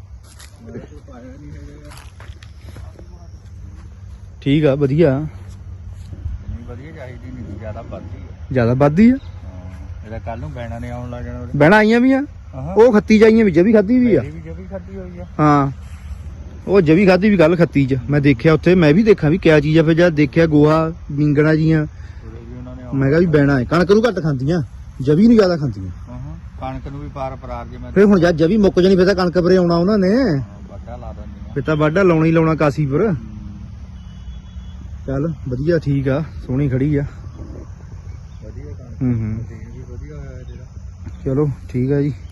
ਠੀਕ ਆ ਵਧੀਆ
ਵਧੀਆ ਚਾਹੀਦੀ ਨਹੀਂ ਜ਼ਿਆਦਾ ਵੱਧਦੀ ਆ।
ਜਿਆਦਾ ਵੱਧਦੀ ਆ।
ਇਹਦਾ ਕੱਲ ਨੂੰ ਬੈਣਾ ਨੇ ਆਉਣ ਲੱਗ ਜਾਣਾ।
ਬਹਿਣਾ ਆਈਆਂ ਵੀ ਆ, ਉਹ ਖੱਤੀ ਜਾਈਆਂ ਵੀ ਜਵੀ ਖਾਦੀ ਵੀ ਆ।
ਵੀ ਜਵੀ ਖਾਦੀ ਹੋਈ ਆ।
ਹਾਂ ਉਹ ਜਵੀ ਖਾਦੀ ਵੀ ਕੱਲ ਖੱਤੀ ਚ ਮੈਂ ਦੇਖਿਆ ਉੱਥੇ, ਮੈਂ ਵੀ ਦੇਖਾਂ ਵੀ ਕਿਆ ਚੀਜ਼ ਆ। ਫਿਰ ਜਦ ਦੇਖਿਆ ਗੋਹਾ ਮਿੰਗਣਾ ਜੀਆਂ, ਮੈਂ ਕਿਹਾ ਵੀ ਬੈਣਾ ਹੈ। ਕਣਕ ਨੂੰ ਘੱਟ ਖਾਂਦੀਆਂ, ਜਵੀ ਨੂੰ ਜ਼ਿਆਦਾ ਖਾਂਦੀਆਂ।
ਕਣਕ ਨੂੰ ਵੀ ਪਾਰ ਪਰਾਰ ਜੇ ਮੈਂ
ਫਿਰ ਹੁਣ ਜਦ ਜਵੀ ਮੁੱਕ ਜਾਣੀ ਫਿਰ ਤਾਂ ਕਣਕ ਪਰੇ ਆਉਣਾ ਉਹਨਾਂ ਨੇ,
ਵੱਡਾ ਲਾ ਦਿੰਦੀ
ਫਿਰ ਤਾਂ ਵਾਢਾ ਲਾਉਣਾ ਹੀ ਲਾਉਣਾ ਕਾਸੀ ਪਰ। ਚੱਲ ਵਧੀਆ ਠੀਕ ਆ, ਸੋਹਣੀ ਖੜੀ ਆ।
ਵਧੀਆ ਕਣਕ
ਹੂੰ ਹੂੰ
ਵੀ ਵਧੀਆ ਹੋਇਆ ਜਿਹੜਾ।
ਚਲੋ ਠੀਕ ਆ ਜੀ।